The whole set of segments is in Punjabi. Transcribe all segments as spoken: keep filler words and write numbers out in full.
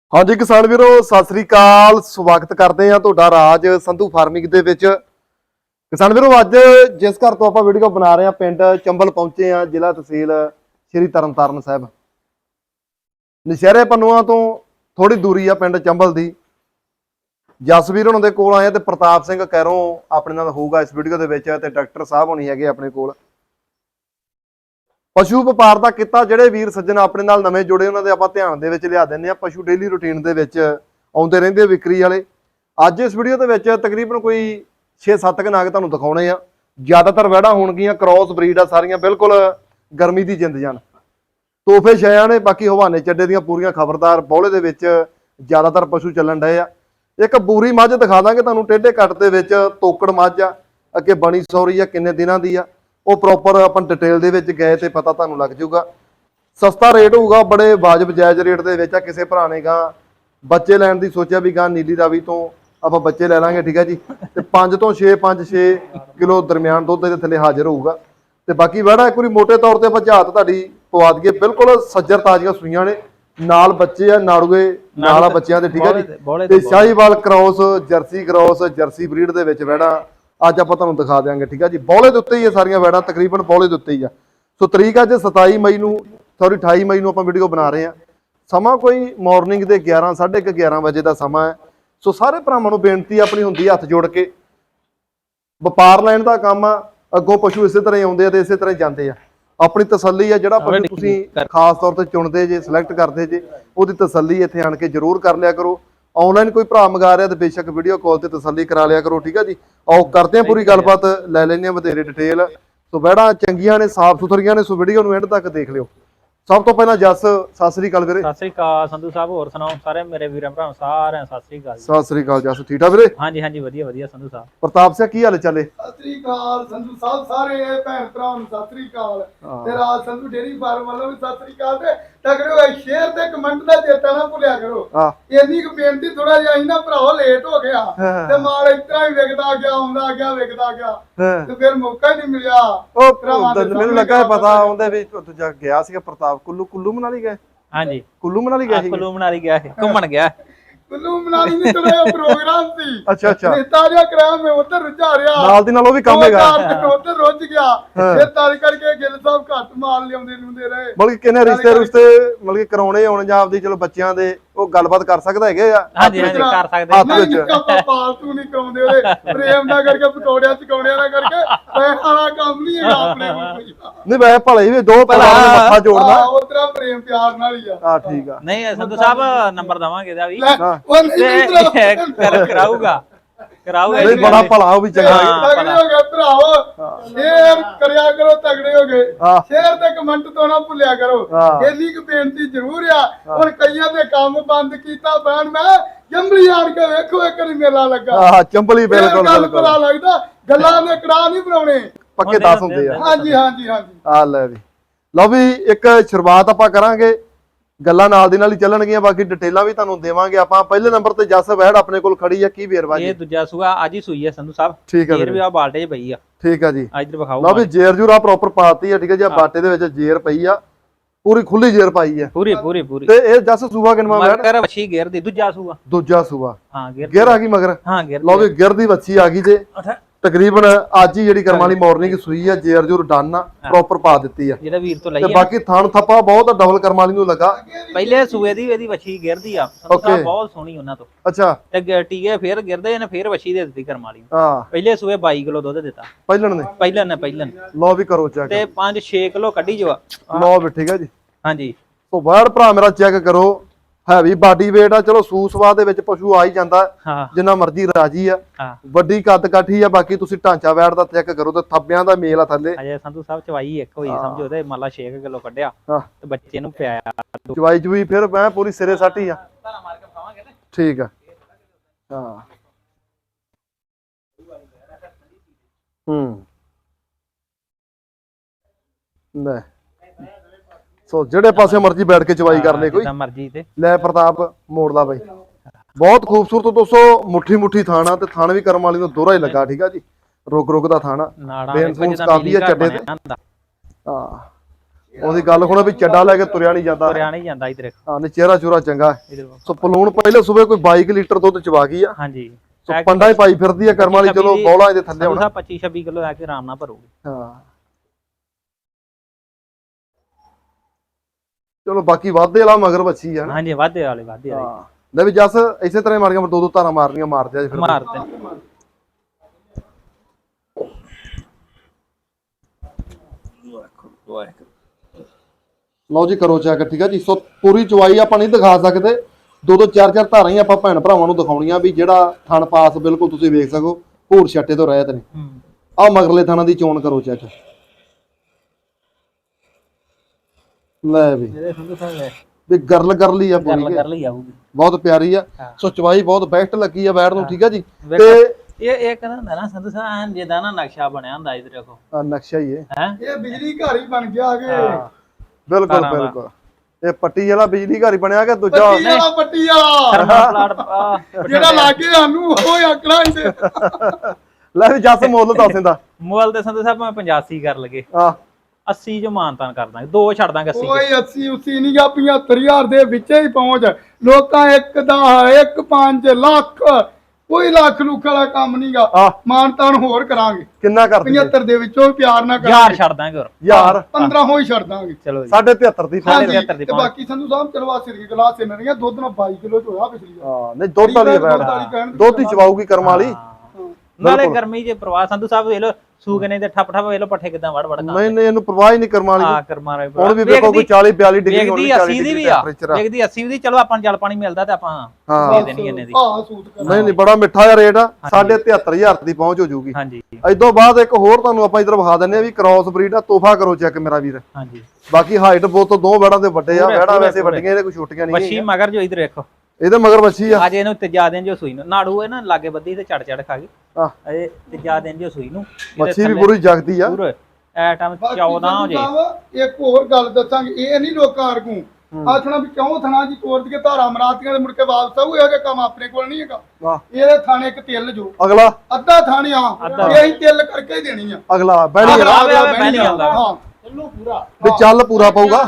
हाँ जी किसान वीरो सत श्री अकाल स्वागत करते हैं तुहाडा राज संधू फार्मिंग दे विच। किसान वीरो अज जिस घर तो आपां वीडियो बना रहे हैं पिंड चंबल पहुंचे हैं, जिला तहसील श्री तरनतारन साहब। नशहरे पन्नुआ तो थोड़ी दूरी आ पिंड चंबल दी। जसवीर हुणां दे कोल आए ते प्रताप सिंह कैरों अपने नाल होऊगा इस वीडियो दे विच ते डॉक्टर साहब होनी हैगे अपने कोल। पशु वपार का किता ਜਿਹੜੇ ਵੀਰ ਸੱਜਣ ਆਪਣੇ ਨਾਲ ਨਵੇਂ ਜੁੜੇ ਉਹਨਾਂ ਦੇ ਆਪਾਂ ਧਿਆਨ ਦੇ ਵਿੱਚ ਲਿਆ ਦਿੰਦੇ ਆ। ਪਸ਼ੂ ਡੇਲੀ ਰੂਟੀਨ ਦੇ ਵਿੱਚ ਆਉਂਦੇ ਰਹਿੰਦੇ ਵਿਕਰੀ ਵਾਲੇ। ਅੱਜ ਇਸ ਵੀਡੀਓ ਦੇ ਵਿੱਚ ਤਕਰੀਬਨ ਕੋਈ ਛੇ ਸੱਤ ਕ ਨਾਗ ਤੁਹਾਨੂੰ ਦਿਖਾਉਣੇ ਆ। ਜ਼ਿਆਦਾਤਰ ਵੈੜਾਂ ਹੋਣਗੀਆਂ ਕ੍ਰੋਸ ਬਰੀਡ ਆ, ਸਾਰੀਆਂ ਬਿਲਕੁਲ ਗਰਮੀ ਦੀ ਜਿੰਦ ਜਾਨ ਤੋਹਫੇ ਛਾਇਆ ਨੇ। ਬਾਕੀ ਹਵਾਨੇ ਚੱਡੇ ਦੀਆਂ ਪੂਰੀਆਂ ਖਬਰਦਾਰ ਬੌਲੇ ਦੇ ਵਿੱਚ ਜ਼ਿਆਦਾਤਰ ਪਸ਼ੂ ਚੱਲਣ ਡਏ ਆ। ਇੱਕ ਬੂਰੀ ਮੱਝ ਦਿਖਾ ਦਾਂਗੇ ਤੁਹਾਨੂੰ ਟੇਢੇ ਕੱਟ ਦੇ ਵਿੱਚ, ਤੋਕੜ ਮੱਝ ਆ, ਅੱਗੇ ਬਣੀ ਸੌਰੀ ਆ, ਕਿੰਨੇ ਦਿਨਾਂ ਦੀ ਆ ਉਹ ਪ੍ਰੋਪਰ ਆਪਾਂ ਡਿਟੇਲ ਦੇ ਵਿੱਚ ਗਏ ਤੇ ਪਤਾ ਤੁਹਾਨੂੰ ਲੱਗ ਜਾਊਗਾ। ਸਸਤਾ ਰੇਟ ਹੋਊਗਾ, ਬੜੇ ਵਾਜਬ ਜਾਇਜ਼ ਰੇਟ ਦੇ ਵਿੱਚ ਆ। ਕਿਸੇ ਭਰਾ ਨੇ ਗਾਂ ਬੱਚੇ ਲੈਣ ਦੀ ਸੋਚਿਆ ਵੀ ਗਾਂ ਨੀਲੀ ਰਾਵੀ ਤੋਂ ਆਪਾਂ ਬੱਚੇ ਲੈ ਲਾਂਗੇ, ਠੀਕ ਹੈ ਜੀ। ਤੇ ਪੰਜ ਤੋਂ ਛੇ ਪੰਜ ਛੇ ਕਿਲੋ ਦਰਮਿਆਨ ਦੁੱਧ ਦੇ ਥੱਲੇ ਹਾਜ਼ਰ ਹੋਊਗਾ। ਤੇ ਬਾਕੀ ਵੜਾ ਇੱਕ ਵਾਰੀ ਮੋਟੇ ਤੌਰ ਤੇ ਆਪਾਂ ਝਾਤ ਤੁਹਾਡੀ ਪਵਾ ਦਈਏ। ਬਿਲਕੁਲ ਸੱਜਰ ਤਾਜ਼ੀਆਂ ਸੂਈਆਂ ਨੇ, ਨਾਲ ਬੱਚੇ ਆ, ਨਾੜੂਏ ਨਾਲ ਆ ਬੱਚਿਆਂ ਦੇ, ਠੀਕ ਹੈ ਜੀ। ਤੇ Sahiwal cross, Jersey cross, Jersey breed ਦੇ ਵਿੱਚ ਵੜਾ ਅੱਜ ਆਪਾਂ ਤੁਹਾਨੂੰ ਦਿਖਾ ਦਿਆਂਗੇ, ਠੀਕ ਹੈ ਜੀ। ਬੌਲੇ ਦੇ ਉੱਤੇ ਹੀ ਇਹ ਸਾਰੀਆਂ ਵੈੜਾਂ ਤਕਰੀਬਨ ਬੌਲੇ ਦੇ ਉੱਤੇ ਹੀ ਆ। ਸੋ ਤਰੀਕ ਅੱਜ ਸਤਾਈ ਮਈ ਨੂੰ ਸੌਰੀ ਅਠਾਈ ਮਈ ਨੂੰ ਆਪਾਂ ਵੀਡੀਓ ਬਣਾ ਰਹੇ ਹਾਂ। ਸਮਾਂ ਕੋਈ ਮਾਰਨਿੰਗ ਦੇ ਗਿਆਰਾਂ ਸਾਢੇ ਕੁ ਗਿਆਰਾਂ ਵਜੇ ਦਾ ਸਮਾਂ ਹੈ। ਸੋ ਸਾਰੇ ਭਰਾਵਾਂ ਨੂੰ ਬੇਨਤੀ ਆਪਣੀ ਹੁੰਦੀ ਹੈ ਹੱਥ ਜੋੜ ਕੇ, ਵਪਾਰ ਲੈਣ ਦਾ ਕੰਮ ਆ। ਅੱਗੋਂ ਪਸ਼ੂ ਇਸੇ ਤਰ੍ਹਾਂ ਹੀ ਆਉਂਦੇ ਆ ਤੇ ਇਸੇ ਤਰ੍ਹਾਂ ਹੀ ਜਾਂਦੇ ਆ। ਆਪਣੀ ਤਸੱਲੀ ਆ, ਜਿਹੜਾ ਪਸ਼ੂ ਤੁਸੀਂ ਖਾਸ ਤੌਰ ਤੇ ਚੁਣਦੇ ਜੇ, ਸਿਲੈਕਟ ਕਰਦੇ ਜੇ, ਉਹਦੀ ਤਸੱਲੀ ਇੱਥੇ ਆਣ ਕੇ ਜ਼ਰੂਰ ਕਰ ਲਿਆ ਕਰੋ। ਆਨਲਾਈਨ ਕੋਈ ਭਰਾ ਮੰਗਾ ਰਿਹਾ ਤੇ ਬੇਸ਼ੱਕ ਵੀਡੀਓ ਕਾਲ ਤੇ ਤਸੱਲੀ ਕਰਾ ਲਿਆ ਕਰੋ, ਠੀਕ ਹੈ ਜੀ। ਆਓ ਕਰਦੇ ਹਾਂ ਪੂਰੀ ਗੱਲਬਾਤ, ਲੈ ਲੈਂਦੇ ਹਾਂ ਵਧੇਰੇ ਡਿਟੇਲ। ਸੋ ਵੈੜਾਂ ਚੰਗੀਆਂ ਨੇ, ਸਾਫ ਸੁਥਰੀਆਂ ਨੇ, ਸੋ ਵੀਡੀਓ ਨੂੰ ਐਂਡ ਤੱਕ ਦੇਖ ਲਿਓ। ਸਭ ਤੋਂ ਪਹਿਲਾਂ ਜਸ ਸਤਿ ਸ੍ਰੀ ਅਕਾਲ ਵੀਰੇ। ਸਤਿ ਸ੍ਰੀ ਅਕਾਲ ਸੰਧੂ ਸਾਹਿਬ, ਹੋਰ ਸੁਣਾਓ ਸਾਰੇ ਮੇਰੇ ਵੀਰਾਂ ਭਰਾਵਾਂ ਸਾਰਿਆਂ ਸਤਿ ਸ੍ਰੀ ਅਕਾਲ। ਸਤਿ ਸ੍ਰੀ ਅਕਾਲ ਜਸ, ਠੀਕ ਠਾਕ ਵੀਰੇ? ਹਾਂਜੀ ਹਾਂਜੀ ਵਧੀਆ ਵਧੀਆ ਸੰਧੂ ਸਾਹਿਬ। ਪ੍ਰਤਾਪ ਸਿੰਘ ਕੀ ਹਾਲ ਚਾਲੇ? ਸਤਿ ਸ੍ਰੀ ਅਕਾਲ ਸੰਧੂ ਸਾਹਿਬ, ਸਾਰੇ ਭੈਣ ਭਰਾਵਾਂ ਨੂੰ ਸਤਿ ਸ੍ਰੀ ਅਕਾਲ। ਤੇ ਰਾਜ ਸੰਧੂ ਡੇਰੀ ਫਾਰਮ ਵੱਲੋਂ ਵੀ ਸਤਿ ਸ੍ਰੀ ਅਕਾਲ। ਤੇ ਤਗੜੇ ਹੋਏ ਸ਼ੇਅਰ ਤੇ ਕਮੈਂਟ ਦਾ ਚੇਤਾ ਨਾ ਭੁੱਲਿਆ ਕਰੋ। ਇੰਨੀ ਕੁ ਬੇਨਤੀ, ਥੋੜਾ ਜਿਹਾ ਇਹਨਾਂ ਭਰਾਓ ਲੇਟ ਹੋ ਗਿਆ ਤੇ ਮਾਲ ਇਸ ਤਰ੍ਹਾਂ ਹੀ ਵਿਕਦਾ ਗਿਆ, ਆਉਂਦਾ ਗਿਆ, ਵਿਕਦਾ ਗਿਆ ਤੇ ਫਿਰ ਮੌਕਾ ਹੀ ਨਹੀਂ ਮਿਲਿਆ। ਉਹ ਮੈਨੂੰ ਲੱਗਾ ਪਤਾ ਆਉਂਦੇ ਵੀ ਤੂੰ ਜਾ ਗਿਆ ਸੀਗਾ ਪ੍ਰਤਾਪ ਕੁੱਲੂ ਕੁੱਲੂ ਮਨਾਲੀ ਗਏ? ਹਾਂਜੀ ਕੁੱਲੂ ਮਨਾਲੀ ਗਿਆ ਸੀ। ਕੁੱਲੂ ਮਨਾਲੀ ਗਿਆ ਸੀ, ਘੁੰਮਣ ਗਿਆ। ਕੁੱਲੂ ਮਨਾਲੀ ਵਿੱਚ ਥੋੜਾ ਪ੍ਰੋਗਰਾਮ ਸੀ। ਅੱਛਾ ਅੱਛਾ, ਰਿਸ਼ਤਾ ਜਿਹਾ ਕਰਾਇਆ, ਮੈਂ ਉੱਧਰ ਰੁਝਾ ਰਿਹਾ, ਨਾਲ ਦੀ ਨਾਲ ਉਹ ਵੀ ਕੰਮ ਹੈਗਾ, ਉੱਧਰ ਰੁੱਝ ਗਿਆ। ਫਿਰ ਤਾਂ ਕਰਕੇ ਗਿੱਲ ਸਾਹਿਬ ਘੱਟ ਮਾਲ ਲਿਆਉਂਦੇ ਲੁੰਦੇ ਰਹੇ। ਬਲਕਿ ਕਿੰਨੇ ਰਿਸ਼ਤੇ ਰੁਸ਼ਤੇ ਮਤਲਬ ਕਰਾਉਣੇ ਹੋਣ ਜਾਂ ਆਪਦੀ ਚਲੋ ਬੱਚਿਆਂ ਦੇ, ਉਹ ਗੱਲਬਾਤ ਕਰ ਸਕਦਾ ਹੈਗੇ ਆ। ਹਾਂਜੀ ਹਾਂਜੀ ਕਰ ਸਕਦੇ। ਨਹੀਂ ਆਪਾਂ ਪਾਲਤੂ ਨਹੀਂ ਕਰਾਉਂਦੇ, ਉਹਦੇ ਪ੍ਰੇਮ ਦਾ ਕਰਕੇ, ਪਕੌੜਿਆਂ ਚਕੌੜਿਆਂ ਦਾ ਕਰਕੇ। ਪੈਸੇ ਵਾਲਾ ਕੰਮ ਨਹੀਂ ਹੈਗਾ ਆਪਣੇ ਕੋਲ। ਨਹੀਂ ਵੈਸੇ ਭਲੇ ਵੀ ਦੋ ਪਰਿਵਾਰਾਂ ਨੂੰ ਮੱਥਾ ਜੋੜਨਾ, ਉਹ ਤਰ੍ਹਾਂ ਪ੍ਰੇਮ ਪਿਆਰ ਨਾਲ ਹੀ ਆ। ਹਾਂ ਠੀਕ ਆ। ਨਹੀਂ ਸੰਧੂ ਸਾਹਿਬ ਨੰਬਰ ਦਵਾਂਗੇ ਇਹਦਾ ਵੀ, ਉਹ ਨਹੀਂ ਕਰ ਕਰਾਊਗਾ ਕਰਾਊਗਾ। ਨਹੀਂ ਬੜਾ ਭਲਾ, ਉਹ ਵੀ ਚੰਗਾ। ਤਗੜੇ ਹੋ ਗਏ ਭਰਾਓ, ਸ਼ੇਅਰ ਕਰਿਆ ਕਰੋ, ਤਗੜੇ ਹੋ ਗਏ। ਸ਼ੇਅਰ ਤੇ ਕਮੈਂਟ ਤੋਂ ਨਾ ਭੁੱਲਿਆ ਕਰੋ। ਇੰਨੀ ਕੁ ਬੇਨਤੀ ਜ਼ਰੂਰ ਆ। ਹੁਣ ਕਈਆਂ ਦੇ ਕੰਮ ਬੰਦ ਕੀਤਾ ਬੈਣ, ਮੈਂ ਜੰਬਲੀ ਆਣ ਕੇ ਵੇਖੋ ਇੱਕ ਵਾਰੀ ਮੇਲਾ ਲੱਗਾ। ਹਾਂ ਚੰਬਲੀ ਬਿਲਕੁਲ ਬਿਲਕੁਲ ਪਤਾ ਲੱਗਦਾ, ਗੱਲਾਂ ਦੇ ਕੜਾ ਨਹੀਂ ਬਣਾਉਣੇ, ਪੱਕੇ ਦਸ ਹੁੰਦੇ ਆ। ਹਾਂਜੀ ਹਾਂਜੀ ਹਾਂਜੀ ਆ ਲੈ ਵੀ ਲਓ ਵੀ ਇੱਕ ਸ਼ੁਰੂਆਤ ਆਪਾਂ ਕਰਾਂਗੇ, ਗੱਲਾਂ ਨਾਲ ਦੀ ਨਾਲ ਹੀ ਚੱਲਣਗੀਆਂ, ਬਾਕੀ ਡਿਟੇਲਾਂ ਵੀ ਤੁਹਾਨੂੰ ਦੇਵਾਂਗੇ ਆਪਾਂ। ਪਹਿਲੇ ਨੰਬਰ ਤੇ ਜੱਸ ਵਹਿੜ ਆਪਣੇ ਕੋਲ ਖੜੀ ਆ, ਕੀ ਵੇਰਵਾ ਜੀ? ਇਹ ਦੂਜਾ ਸੂਆ ਅੱਜ ਹੀ ਸੂਈ ਹੈ ਸੰਧੂ ਸਾਹਿਬ। ਠੀਕ ਹੈ ਜੇਰ ਵੀ ਆ ਬਾਲਟੇ 'ਚ ਪਈ ਆ। ਠੀਕ ਆ ਜੀ, ਅੱਜ ਦਿਖਾਓ। ਲਓ ਵੀ ਜੇਰ ਜੂਰ ਆ ਪ੍ਰੋਪਰ ਪਾਤੀ ਆ, ਠੀਕ ਹੈ ਜੀ। ਬਾਟੇ ਦੇ ਵਿੱਚ ਜੇਰ ਪਈ ਆ, ਪੂਰੀ ਖੁੱਲੀ ਜੇਰ ਪਾਈ ਆ, ਪੂਰੀ ਪੂਰੀ ਪੂਰੀ। ਤੇ ਇਹ ਜੱਸ ਸੂਆ ਕਿਨਵਾ ਵਹਿੜ? ਮਗਰ ਵੱਛੀ ਗੇਰ ਦੀ, ਦੂਜਾ ਸੂਆ। ਦੂਜਾ ਸੂਆ, ਹਾਂ ਗੇਰ ਗੇਰ ਆ ਗਈ ਮਗਰ। ਹਾਂ ਗੇਰ। ਲਓ ਵੀ ਗਿਰ ਦੀ ਵੱਛੀ ਆ ਗਈ ਜੇ। ਤਕਰੀਬਨ ਅੱਜ ਹੀ ਜਿਹੜੀ ਕਰਮ ਵਾਲੀ ਮਾਰਨਿੰਗ ਸੂਈ ਆ, ਜੇਰ ਜੂਰ ਡਨ ਆ, ਪ੍ਰੋਪਰ ਪਾ ਦਿੱਤੀ ਆ। ਜਿਹੜਾ ਵੀਰ ਤੋਂ ਲਈ ਤੇ ਬਾਕੀ ਥਣ ਥੱਪਾ ਬਹੁਤ ਡਬਲ ਕਰਮ ਵਾਲੀ ਨੂੰ ਲੱਗਾ। ਪਹਿਲੇ ਸੂਏ ਦੀ ਇਹਦੀ ਵੱਛੀ ਗਿਰਦੀ ਆ ਸੰਧੂ ਸਾਹਿਬ, ਬਹੁਤ ਸੋਹਣੀ ਉਹਨਾਂ ਤੋਂ। ਅੱਛਾ, ਤੇ ਟੀਕੇ ਫੇਰ ਗਿਰਦੇ ਇਹਨੇ, ਫੇਰ ਵੱਛੀ ਦੇ ਦਿੱਤੀ ਕਰਮ ਵਾਲੀ ਨੂੰ। ਹਾਂ ਪਹਿਲੇ ਸੂਏ ਬਾਈ ਕਿਲੋ ਦੁੱਧ ਦਿੱਤਾ ਪਹਿਲਣ ਨੇ। ਪਹਿਲਣ ਨੇ ਪਹਿਲਣ ਲਓ ਵੀ ਕਰੋ ਚੈੱਕ, ਤੇ ਪੰਜ ਛੇ ਕਿਲੋ ਕੱਢੀ ਜੋ। ਲਓ ਵੀ ਠੀਕ ਹੈ ਜੀ। ਹਾਂਜੀ ਸੋ ਬਾਹਰ ਭਰਾ ਮੇਰਾ ਚੈੱਕ ਕਰੋ, ਹੈਵੀ ਬਾਡੀ ਵੇਟ ਆ। ਚਲੋ ਸੂਸਵਾ ਦੇ ਵਿੱਚ ਪਸ਼ੂ ਆ ਹੀ ਜਾਂਦਾ, ਹਾਂ ਜਿੰਨਾ ਮਰਜ਼ੀ ਰਾਜੀ ਆ। ਹਾਂ ਵੱਡੀ ਕੱਦ ਕਾਠੀ ਆ। ਬਾਕੀ ਤੁਸੀਂ ਢਾਂਚਾ ਵੈੜ ਦਾ ਚੈੱਕ ਕਰੋ ਤੇ ਥੱਬਿਆਂ ਦਾ ਮੇਲ ਆ ਥੱਲੇ। ਅਜੇ ਸੰਧੂ ਸਾਹਿਬ ਚਵਾਈ ਇੱਕ ਹੋਈ ਸਮਝੋ, ਤੇ ਮੰਨ ਲਾ ਛੇ ਕਿਲੋ ਕੱਢਿਆ ਹਾਂ ਤੇ ਬੱਚੇ ਨੂੰ ਪਿਆਇਆ। ਚਵਾਈ ਚੂਈ ਫਿਰ ਮੈਂ ਪੂਰੀ ਸਿਰੇ ਸੱਟ ਹੀ ਆ। ਧਾਰਾ ਮਾਰ ਕੇ ਖਾਵਾਂਗੇ ਤੇ ਠੀਕ ਆ। ਹਾਂ ਹੂੰ ਲੈ, ਸੋ ਜਿਹੜੇ ਪਾਸੇ ਮਰਜ਼ੀ ਬੈਠ ਕੇ ਚਵਾਈ ਕਰ ਲੈ ਕੋਈ, ਜਿੱਦਾਂ ਮਰਜ਼ੀ ਤੇ। ਲੈ ਲੈ ਪ੍ਰਤਾਪ ਮੋੜ ਲਾ ਬਾਈ, ਬਹੁਤ ਖੂਬਸੂਰਤ ਦੋਸਤੋ। ਮੁੱਠੀ ਮੁੱਠੀ ਥਾਣਾ ਤੇ ਥਾਣ ਵੀ ਕਰਮ ਵਾਲੀ ਨੂੰ ਦੋਹਰਾ ਹੀ ਲੱਗਾ, ਠੀਕ ਆ ਜੀ। ਰੁਕ ਰੁਕ ਦਾ ਥਾਣਾ, ਨਾੜਾ ਬੇਨਫੂਸ ਕਾਫੀ ਆ ਚੱਡੇ ਤੇ। ਹਾਂ ਉਹਦੀ ਗੱਲ ਹੁਣ ਵੀ ਚੱਡਾ ਲੈ ਕੇ ਤੁਰਿਆ ਨਹੀਂ ਜਾਂਦਾ ਤੁਰਿਆ ਨਹੀਂ ਜਾਂਦਾ ਇਧਰ ਹਾਂ ਨੇ ਚਿਹਰਾ ਚੂਰਾ ਚੰਗਾ ਇਧਰ ਸੋ ਪਲੂਣ ਪਹਿਲੇ ਸੂਬੇ ਕੋਈ ਬਾਈ ਲੀਟਰ ਦੁੱਧ ਚਵਾ ਗਈ ਆ ਹਾਂਜੀ ਸੋ ਪੰਡਾ ਹੀ ਪਾਈ ਫਿਰਦੀ ਆ ਕਰਮ ਵਾਲੀ ਚਲੋ ਬੌਲਾ ਇਹਦੇ ਥੱਲੇ ਹੁਣ ਪੱਚੀ ਛੱਬੀ ਕਿਲੋ ਆ ਕੇ ਆਰਾਮ ਨਾਲ ਭਰੂਗੀ ਹਾਂ ਚਲੋ ਬਾਕੀ ਵਾਧੇ ਵਾਲਾ ਮਗਰ ਬੱਚੀ ਆ ਹਾਂਜੀ ਵਾਧੇ ਵਾਲੇ ਵਾਧੇ ਵਾਲੇ ਹਾਂ ਲੈ ਵੀ ਜੱਸ ਇਸੇ ਤਰ੍ਹਾਂ ਮਾਰ ਕੇ ਦੋ ਦੋ ਧਾਰਾਂ ਮਾਰਨੀਆਂ ਮਾਰਦੇ ਆ ਫਿਰ ਮਾਰਦੇ ਲਓ ਜੀ ਕਰੋ ਚੈੱਕ ਠੀਕ ਆ ਜੀ ਸੋ ਪੂਰੀ ਚਵਾਈ ਆਪਾਂ ਨਹੀਂ ਦਿਖਾ ਸਕਦੇ ਦੋ ਦੋ ਚਾਰ ਚਾਰ ਧਾਰਾਂ ਹੀ ਆਪਾਂ ਭੈਣ ਭਰਾਵਾਂ ਨੂੰ ਦਿਖਾਉਣੀਆਂ ਵੀ ਜਿਹੜਾ ਥਣ ਪਾਸ ਬਿਲਕੁਲ ਤੁਸੀਂ ਵੇਖ ਸਕੋ ਭੂਰ ਛੱਟੇ ਤੋਂ ਰਹਿਤ ਨੇ ਆਹ ਮਗਰਲੇ ਥਾਣਾ ਦੀ ਚੋਣ ਕਰੋ ਚੈੱਕ ਲੈ ਵੀ ਵੀ ਗਰਲ ਗਰਲੀ ਆ ਪੂਰੀ ਕਰ ਲਈ ਆਊਗੀ ਬਹੁਤ ਪਿਆਰੀ ਆ ਸੋ ਚਵਾਈ ਬਹੁਤ ਬੈਸਟ ਲੱਗੀ ਆ ਬੈਠ ਨੂੰ ਠੀਕ ਆ ਜੀ ਤੇ ਇਹ ਇਹ ਕਹਿੰਦਾ ਹੁੰਦਾ ਨਾ ਸੰਧੂ ਸਾਹਿਬ ਜਿਹਦਾ ਨਾ ਨਕਸ਼ਾ ਬਣਿਆ ਹੁੰਦਾ ਇਧਰ ਦੇਖੋ ਆ ਨਕਸ਼ਾ ਹੀ ਹੈ ਇਹ ਬਿਜਲੀ ਘਰ ਹੀ ਬਣ ਗਿਆ ਆਗੇ ਬਿਲਕੁਲ ਬਿਲਕੁਲ ਇਹ ਪੱਟੀ ਵਾਲਾ ਬਿਜਲੀ ਘਰ ਹੀ ਬਣਿਆ ਕਿ ਦੂਜਾ ਪੱਟੀ ਵਾਲਾ ਪੱਟੀ ਵਾਲਾ ਜਿਹੜਾ ਲਾਗੇ ਸਾਨੂੰ ਉਹ ਆਕੜਾ ਇਹਦੇ ਲੈ ਵੀ ਜੱਸ ਮੁੱਲ ਦੱਸ ਦਿੰਦਾ ਮੁੱਲ ਤੇ ਸੰਧੂ ਸਾਹਿਬ ਮੈਂ ਪਚਾਸੀ ਕਰ ਲਗੇ ਆ ਅੱਸੀ ਜੋ ਮਾਨਤਾਨ ਕਰ ਦਾਂਗੇ ਦੋ ਛੱਡ ਦਾਂਗੇ ਅੱਸੀ ਓਏ ਅੱਸੀ ਉਸੀ ਨਹੀਂ ਗਾ ਪਝੱਤਰ ਹਜ਼ਾਰ ਦੇ ਵਿੱਚੇ ਹੀ ਪਹੁੰਚ ਲੋਕਾਂ ਇੱਕ ਦਾ ਇੱਕ ਪੰਜ ਲੱਖ ਕੋਈ ਲੱਖ ਲੁੱਖ ਵਾਲਾ ਕੰਮ ਨਹੀਂਗਾ ਮਾਨਤਾਨ ਹੋਰ ਕਰਾਂਗੇ ਕਿੰਨਾ ਕਰ ਦਈਏ ਪਝੱਤਰ ਦੇ ਵਿੱਚੋਂ ਪਿਆਰ ਨਾਲ ਯਾਰ ਛੱਡ ਦਾਂਗੇ ਹੋਰ ਯਾਰ ਪੰਦਰਾਂ ਹੋ ਹੀ ਛੱਡ ਦਾਂਗੇ ਚਲੋ ਜੀ ਸਾਢੇ ਤਿਹੱਤਰ ਦੀ ਹਾਂਜੀ ਤੇ ਬਾਕੀ ਸੰਧੂ ਸਾਹਿਬ ਚਲੋ ਆ ਸਿਰ ਗਲਾਸ ਇਹਨਾਂ ਦੀਆਂ ਦੁੱਧ ਨਾਲ ਬਾਈ ਕਿਲੋ ਚ ਹੋਇਆ ਪਿਛਲੀ ਵਾਰ ਹਾਂ ਨਹੀਂ ਦੁੱਧ ਵਾਲੀ ਬੈਠ ਦੁੱਧ ਹੀ ਚਵਾਊਗੀ ਕਰਮ ਵਾਲੀ ਨਾਲੇ ਗਰਮੀ ਜੇ ਪ੍ਰਵਾਹ ਸੰਧੂ ਸਾਹਿਬ ਵੇਖ ਲੋ ਸੂਗਨੇ ਤੇ ਠੱਪ ਠੱਪ ਵੇਖ ਲੋ ਪੱਠੇ ਕਿਦਾਂ ਵੜ ਵੜ ਨਹੀਂ ਨਹੀਂ ਇਹਨੂੰ ਪ੍ਰਵਾਹ ਹੀ ਨਹੀਂ ਕਰਮ ਵਾਲੀ ਹਾਂ ਕਰਮਾ ਵਾਲੀ ਹੁਣ ਵੀ ਵੇਖੋ ਕੋਈ ਚਾਲੀ ਬਿਆਲੀ ਡਿਗਰੀ ਹੋਣੀ ਚਾਲੀ ਡਿਗਰੀ ਟੈਂਪਰੇਚਰ ਵੇਖਦੀ ਅੱਸੀ ਵੀ ਚਲੋ ਆਪਾਂ ਨੂੰ ਜਲ ਪਾਣੀ ਮਿਲਦਾ ਤੇ ਆਪਾਂ ਦੇ ਦੇਣੀ ਇਹਨੇ ਦੀ ਹਾਂ ਸੂਤ ਕਰ ਨਹੀਂ ਨਹੀਂ ਬੜਾ ਮਿੱਠਾ ਜਿਹਾ ਰੇਟ ਆ ਸਾਢੇ ਤਿਹੱਤਰ ਹਜ਼ਾਰ ਦੀ ਪਹੁੰਚ ਹੋ ਜਾਊਗੀ ਹਾਂਜੀ ਇਦੋਂ ਬਾਅਦ ਇੱਕ ਹੋਰ ਤੁਹਾਨੂੰ ਆਪਾਂ ਇਧਰ ਵਿਖਾ ਦਿੰਨੇ ਆ ਵੀ ਕ੍ਰਾਸ ਬਰੀਡ ਆ ਤੋਹਫਾ ਕਰੋ ਚੈੱਕ ਮੇਰਾ ਵੀਰ ਹਾਂਜੀ ਬਾਕੀ ਹਾਈਟ ਬਹੁਤ ਤੋਂ ਦੋ ਵੜਾਂ ਦੇ ਵੱਡੇ ਆ ਵੜਾ ਵੈਸੇ ਵੱਡੀਆਂ ਇਹਦੇ ਕੋਈ ਛੋਟੀਆਂ ਨਹੀਂ ਬੱਛੀ ਮਗਰ ਜੋ ਇਧਰ ਵੇਖੋ ਇਹਦੇ ਮਗਰ ਬੱਛੀ ਆ ਅੱਜ ਇਹਨੂੰ ਤੀਜਾ ਦਿਨ ਜੋ ਸੂਈ ਨੂੰ ਨਾੜੂ ਇਹ ਨਾ ਲਾਗੇ ਬੱਦੀ ਤੇ ਚੜ ਚੜ ਖਾ ਗਈ ਆ ਇਹ ਤੀਜਾ ਦਿਨ ਜੋ ਸੂਈ ਨੂੰ ਬੱਛੀ ਵੀ ਪੂਰੀ ਜਗਦੀ ਆ ਪੂਰੇ ਐਟਮ ਚੌਦਾਂ ਹੋ ਜੇ ਇੱਕ ਹੋਰ ਗੱਲ ਦੱਸਾਂਗੇ ਇਹ ਨਹੀਂ ਲੋਕਾਂ ਅਰਗੂ ਆਖਣਾ ਵੀ ਕਿਉਂ ਥਣਾ ਜੀ ਤੋੜ ਕੇ ਧਾਰਾ ਮਰਾਤੀਆਂ ਦੇ ਮੁੜ ਕੇ ਵਾਪਸ ਆਊ ਇਹ ਕੰਮ ਆਪਣੇ ਕੋਲ ਨਹੀਂ ਹੈਗਾ ਇਹਦੇ ਥਾਣੇ ਇੱਕ ਤਿੱਲ ਜੋ ਅਗਲਾ ਅੱਧਾ ਥਾਣੇ ਆ ਇਹ ਅਸੀਂ ਤਿੱਲ ਕਰਕੇ ਹੀ ਦੇਣੀ ਆ ਅਗਲਾ ਬੈਣੀ ਹਾਂ ਚੱਲੂ ਪੂਰਾ ਵੀ ਚੱਲ ਪੂਰਾ ਪਊਗਾ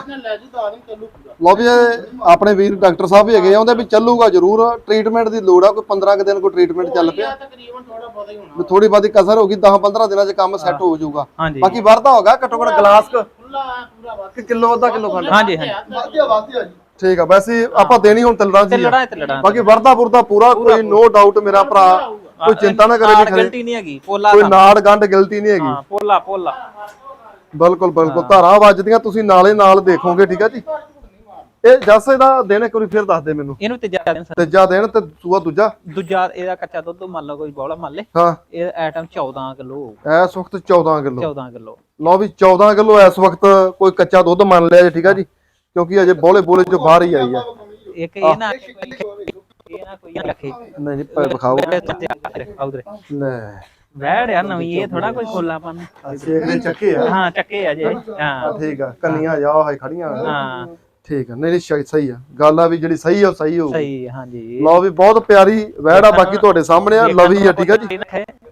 ਲੋ ਵੀ ਆਪਣੇ ਵੀਰ ਡਾਕਟਰ ਸਾਹਿਬ ਵੀ ਹੈਗੇ ਆ ਉਹਦੇ ਵੀ ਚੱਲੂਗਾ ਜ਼ਰੂਰ ਟ੍ਰੀਟਮੈਂਟ ਦੀ ਲੋੜ ਆ ਕੋਈ ਪੰਦਰਾਂ ਕੁ ਦਿਨ ਕੋਈ ਟ੍ਰੀਟਮੈਂਟ ਚੱਲ ਪਿਆ ਤਕਰੀਬਨ ਥੋੜਾ ਬਹੁਤਾ ਹੀ ਹੋਣਾ ਵੀ ਥੋੜੀ ਬਾਦੀ ਕਸਰ ਹੋ ਗਈ ਦਸ ਪੰਦਰਾਂ ਦਿਨਾਂ 'ਚ ਕੰਮ ਸੈੱਟ ਹੋ ਜਾਊਗਾ ਹਾਂਜੀ ਬਾਕੀ ਵਰਦਾ ਹੋਗਾ ਘੱਟੋ ਘੱਟ ਗਲਾਸ ਖੁੱਲਾ ਪੂਰਾ ਵਾਧਾ ਕਿਲੋ ਅੱਧਾ ਕਿਲੋ ਖੰਡ ਹਾਂਜੀ ਹਾਂਜੀ ਵਾਧਿਆ ਵਾਧਿਆ ਜੀ ਠੀਕ ਆ ਵੈਸੇ ਆਪਾਂ ਦੇਣੀ ਹੁਣ ਤਿਲੜਾ ਤੇ ਜੀ ਲੜਾ ਤੇ ਲੜਾ ਬਾਕੀ ਵਰਦਾ ਪੁਰਦਾ ਪੂਰਾ ਕੋਈ ਨੋ ਡਾਊਟ ਮੇਰਾ ਭਰਾ ਕੋਈ ਚਿੰਤਾ ਨਾ ਕਰੇ ਵੀ ਗਲਤੀ ਨਹੀਂ ਹੈਗੀ ਪੋਲਾ ਕੋਈ ਨਾੜ ਗੰਢ ਗਲਤੀ ਨਹੀਂ ਹੈਗੀ ਹਾਂ ਪੋਲਾ ਪੋਲਾ ਬਿਲਕੁਲ ਬਿਲਕੁਲ ਧਾਰਾਂ ਵੱਜਦੀਆਂ ਤੁਸੀਂ ਨਾਲੇ ਨਾਲ ਦੇਖੋਗੇ ਠੀਕ ਆ ਜੀ ਇਹ ਜੱਸ ਇਹਦਾ ਦਿਨ ਇੱਕ ਵਾਰੀ ਫਿਰ ਦੱਸ ਦੇ ਮੈਨੂੰ ਇਹਨੂੰ ਤੀਜਾ ਦਿਨ ਤੀਜਾ ਦਿਨ ਤੇ ਸੂਆ ਦੂਜਾ ਦੂਜਾ ਇਹਦਾ ਕੱਚਾ ਦੁੱਧ ਮੰਨ ਲਓ ਕੋਈ ਬੋਲਾ ਮੰਨ ਲੈ ਹਾਂ ਇਹ ਆਈਟਮ ਚੌਦਾਂ ਕਿਲੋ ਇਸ ਵਕਤ ਚੌਦਾਂ ਕਿਲੋ ਚੌਦਾਂ ਕਿਲੋ ਲਓ ਵੀ ਚੌਦਾਂ ਕਿਲੋ ਇਸ ਵਕਤ ਕੋਈ ਕੱਚਾ ਦੁੱਧ ਮੰਨ ਲਿਆ ਜੀ ਠੀਕ ਆ ਜੀ ਕਿਉਂਕਿ ਅਜੇ ਬੋਲੇ ਬੋਲੇ ਚੋਂ ਬਾਹਰ ਹੀ ਆਈ ਆ ਇੱਕ ਇਹ ਨਾ ਇਹ ਨਾ ਕੋਈ ਲੱਖੇ ਨਹੀਂ ਜੀ ਵਿਖਾਓ ਆਉਦਰੇ ਲੈ ਵੈੜ ਆ ਨਵੀਂ ਇਹ ਥੋੜਾ ਕੋਈ ਖੋਲਾਪਨ ਸੇਖਲੇ ਚੱਕੇ ਆ ਹਾਂ ਚੱਕੇ ਆ ਜੇ ਹਾਂ ਠੀਕ ਆ ਕੰਨੀਆਂ ਜਾ ਹਾਈ ਖੜੀਆਂ ਹਾਂ ਠੀਕ ਆ ਨਹੀਂ ਨਹੀਂ ਸਹੀ ਆ ਗੱਲ ਆ ਵੀ ਜਿਹੜੀ ਸਹੀ ਆ ਸਹੀ ਹੋਊ ਸਹੀ ਹਾਂਜੀ ਲਓ ਵੀ ਬਹੁਤ ਪਿਆਰੀ ਵੈੜ ਆ ਬਾਕੀ ਤੁਹਾਡੇ ਸਾਹਮਣੇ ਆ ਲਵੀ ਆ ਠੀਕ ਆ ਜੀ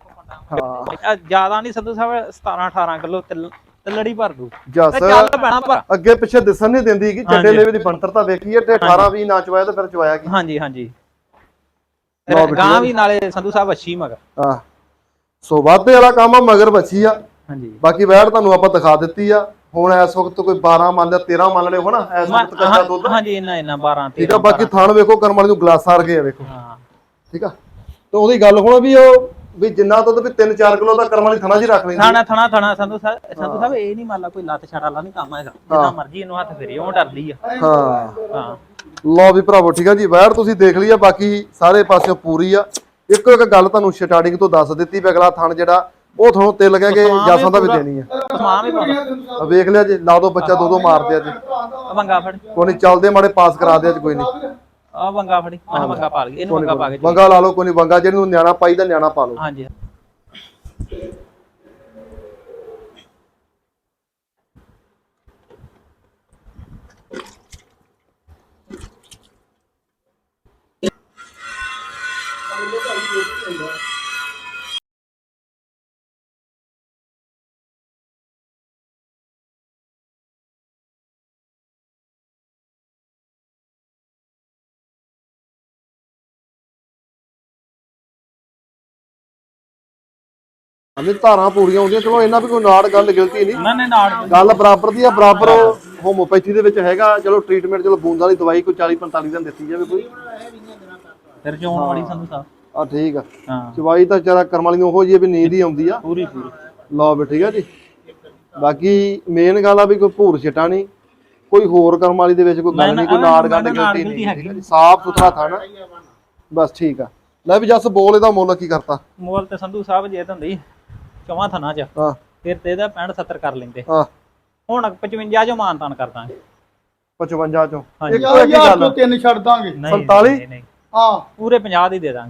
ਹਾਂ ਜਿਆਦਾ ਨਹੀਂ ਸੰਧੂ ਸਾਹਿਬ ਸਤਾਰਾਂ ਅਠਾਰਾਂ ਕਿਲੋ ਤਲੜੀ ਭਰ ਦੂ ਜੱਸ ਚੱਲ ਪੈਣਾ ਪਰ ਅੱਗੇ ਪਿੱਛੇ ਦਿਸਣ ਨਹੀਂ ਦਿੰਦੀ ਕਿ ਚੱਡੇ ਲੇਵੇ ਦੀ ਬਣਤਰਤਾ ਵੇਖੀਏ ਤੇ ਅਠਾਰਾਂ ਵੀਹ ਨਾ ਚਵਾਇਆ ਤੇ ਫਿਰ ਚਵਾਇਆ ਕੀ ਹਾਂਜੀ ਹਾਂਜੀ ਗਾਂ ਵੀ ਨਾਲੇ ਸੰਧੂ ਸਾਹਿਬ ਅੱਛੀ ਮਗਰ ਹਾਂ ਸੋ ਵਾਧੇ ਵਾਲਾ ਕੰਮ ਆ ਮਗਰ ਬੱਚੀ ਆ ਹਾਂਜੀ ਬਾਕੀ ਵੈੜ ਤੁਹਾਨੂੰ ਆਪਾਂ ਦਿਖਾ ਦਿੱਤੀ ਆ ਹੁਣ ਇਸ ਵਕਤ ਕੋਈ ਬਾਰਾਂ ਮੰਨ ਲਿਆ ਤੇਰਾਂ ਮੰਨ ਲਿਓ ਹਨਾ ਇਸ ਵਕਤ ਕੱਚਾ ਦੁੱਧ ਹਾਂਜੀ ਇੰਨਾ ਇੰਨਾ ਬਾਰਾਂ ਠੀਕ ਆ ਬਾਕੀ ਥਣ ਵੇਖੋ ਕਰਮ ਵਾਲੀ ਨੂੰ ਗਲਾਸਾਂ ਰਗੇ ਆ ਵੇਖੋ ਹਾਂ ਠੀਕ ਆ ਤੇ ਉਹਦੀ ਗੱਲ ਹੁਣ ਵੀ ਉਹ ਵੀ ਜਿੰਨਾ ਦੁੱਧ ਵੀ ਤਿੰਨ ਚਾਰ ਕਿਲੋ ਦਾ ਕਰਮ ਵਾਲੀ ਥਣਾ ਜੀ ਰੱਖ ਲੈਂਦੀ ਥਾਣਾ ਥਣਾ ਥਣਾ ਸੰਧੂ ਸਾਹਿਬ ਸੰਧੂ ਸਾਹਿਬ ਇਹ ਨਹੀਂ ਮੰਨ ਲਾ ਕੋਈ ਲੱਤ ਛੜਾ ਵਾਲਾ ਨਹੀਂ ਕੰਮ ਹੈਗਾ ਜਿੱਦਾਂ ਮਰਜ਼ੀ ਇਹਨੂੰ ਹੱਥ ਫੇਰੀ ਉਹ ਡਰਦੀ ਆ ਹਾਂ ਹਾਂ ਲਓ ਵੀ ਭਰਾਵੋ ਠੀਕ ਆ ਜੀ ਵੈੜ ਤੁਸੀਂ ਦੇਖ ਲਈ ਆ ਬਾਕੀ ਸਾਰੇ ਪਾਸਿਓਂ ਪੂਰੀ ਆ ਇੱਕੋ ਇੱਕ ਗੱਲ ਤੁਹਾਨੂੰ ਸਟਾਰਟਿੰਗ ਤੋਂ ਦੱਸ ਦਿੱਤੀ ਵੀ ਅਗਲਾ ਥਣ ਜਿਹੜਾ ਉਹ ਤੁਹਾਨੂੰ ਤੇ ਲੱਗਿਆ ਕਿ ਜਾਸਾਂ ਦਾ ਵੀ ਦੇਣੀ ਆ ਮਾਂ ਵੀ ਪਾਉਂਦਾ ਵੇਖ ਲਿਆ ਜੀ ਲਾ ਦੋ ਬੱਚਾ ਦੋ ਦੋ ਮਾਰਦੇ ਆ ਜੀ ਵੰਗਾ ਫੜ ਕੋਈ ਨਹੀਂ ਚੱਲਦੇ ਮਾੜੇ ਪਾਸ ਕਰਾ ਦੇ ਅੱਜ ਕੋਈ ਨਹੀਂ ਆ ਵੰਗਾ ਫੜੀ ਆਹ ਵੰਗਾ ਪਾ ਲਈਏ ਇਹਨੂੰ ਵੰਗਾ ਪਾ ਕੇ ਵੰਗਾ ਲਾ ਲਓ ਕੋਈ ਨਹੀਂ ਵੰਗਾ ਜਿਹਨੂੰ ਨਿਆਣਾ ਪਾਈਦਾ ਨਿਆਣਾ ਪਾ ਲਓ ਹਾਂਜੀ ਅਮੇ ਧਾਰਾਂ ਪੂਰੀਆਂ ਹੁੰਦੀਆਂ, ਚਲੋ ਇਹਨਾਂ ਵੀ ਕੋਈ ਨਾੜ ਗੱਲ ਗਲਤੀ ਨਹੀਂ, ਨਾ ਨਾ ਨਾੜ ਗੱਲ ਬਰਾਬਰ ਦੀ ਆ, ਬਰਾਬਰ ਹੋਮੋਪੈਥੀ ਦੇ ਵਿੱਚ ਹੈਗਾ। ਚਲੋ ਟ੍ਰੀਟਮੈਂਟ ਚਲੋ ਬੂੰਦ ਵਾਲੀ ਦਵਾਈ ਕੋਈ ਚਾਲੀ ਪੰਤਾਲੀ ਦਿਨ ਦਿੱਤੀ ਜਾਵੇ ਕੋਈ, ਫਿਰ ਚੋਣ ਵਾਲੀ ਸੰਧੂ ਸਾਹਿਬ। ਆ ਠੀਕ ਆ। ਹਾਂ ਚਵਾਈ ਤਾਂ ਚਾਰਾ ਕਰਮ ਵਾਲੀ ਨੂੰ ਉਹੋ ਜਿਹੀ ਵੀ ਨੀਂਦ ਹੀ ਆਉਂਦੀ ਆ ਪੂਰੀ ਪੂਰੀ। ਲਓ ਵੀ ਠੀਕ ਆ ਜੀ। ਬਾਕੀ ਮੇਨ ਗੱਲ ਆ ਵੀ ਕੋਈ ਭੂਰ ਛਟਾ ਨਹੀਂ, ਕੋਈ ਹੋਰ ਕਰਮ ਵਾਲੀ ਦੇ ਵਿੱਚ ਕੋਈ ਗੱਲ ਨਹੀਂ, ਕੋਈ ਨਾੜ ਗੰਢ ਗਲਤੀ ਨਹੀਂ, ਠੀਕ ਆ ਜੀ। ਸਾਫ ਸੁਥਰਾ ਥਾਣਾ ਬਸ ਠੀਕ ਆ। ਲੈ ਵੀ ਜੱਸ ਬੋਲ ਇਹਦਾ ਮੁੱਲ ਕੀ ਕਰਤਾ? ਮੁੱਲ ਤੇ ਸੰਧੂ ਸਾਹਿਬ ਜੇ ਤਾਂ ਹੁੰਦੀ ਚੌਵਾਂ ਥਣਾ ਚ ਹਾਂ ਫਿਰ ਤੇ ਇਹਦਾ ਪੈਂਹਠ ਸੱਤਰ ਕਰ ਲੈਂਦੇ, ਹਾਂ ਹੁਣ ਪਚਵੰਜਾ ਚੋਂ ਮਾਨਤਾਨ ਕਰ ਦਾਂਗੇ। ਪਚਵੰਜਾ ਚੋਂ ਹਾਂਜੀ ਹਜ਼ਾਰ ਤੋਂ ਤਿੰਨ ਛੱਡ ਦਾਂਗੇ। ਨਹੀਂ ਸੰਤਾਲੀ? ਨਹੀਂ, ਨਹੀਂ ਹਾਂ ਪੂਰੇ ਪੰਜਾਹ ਦੀ ਦੇ ਦਾਂਗੇ।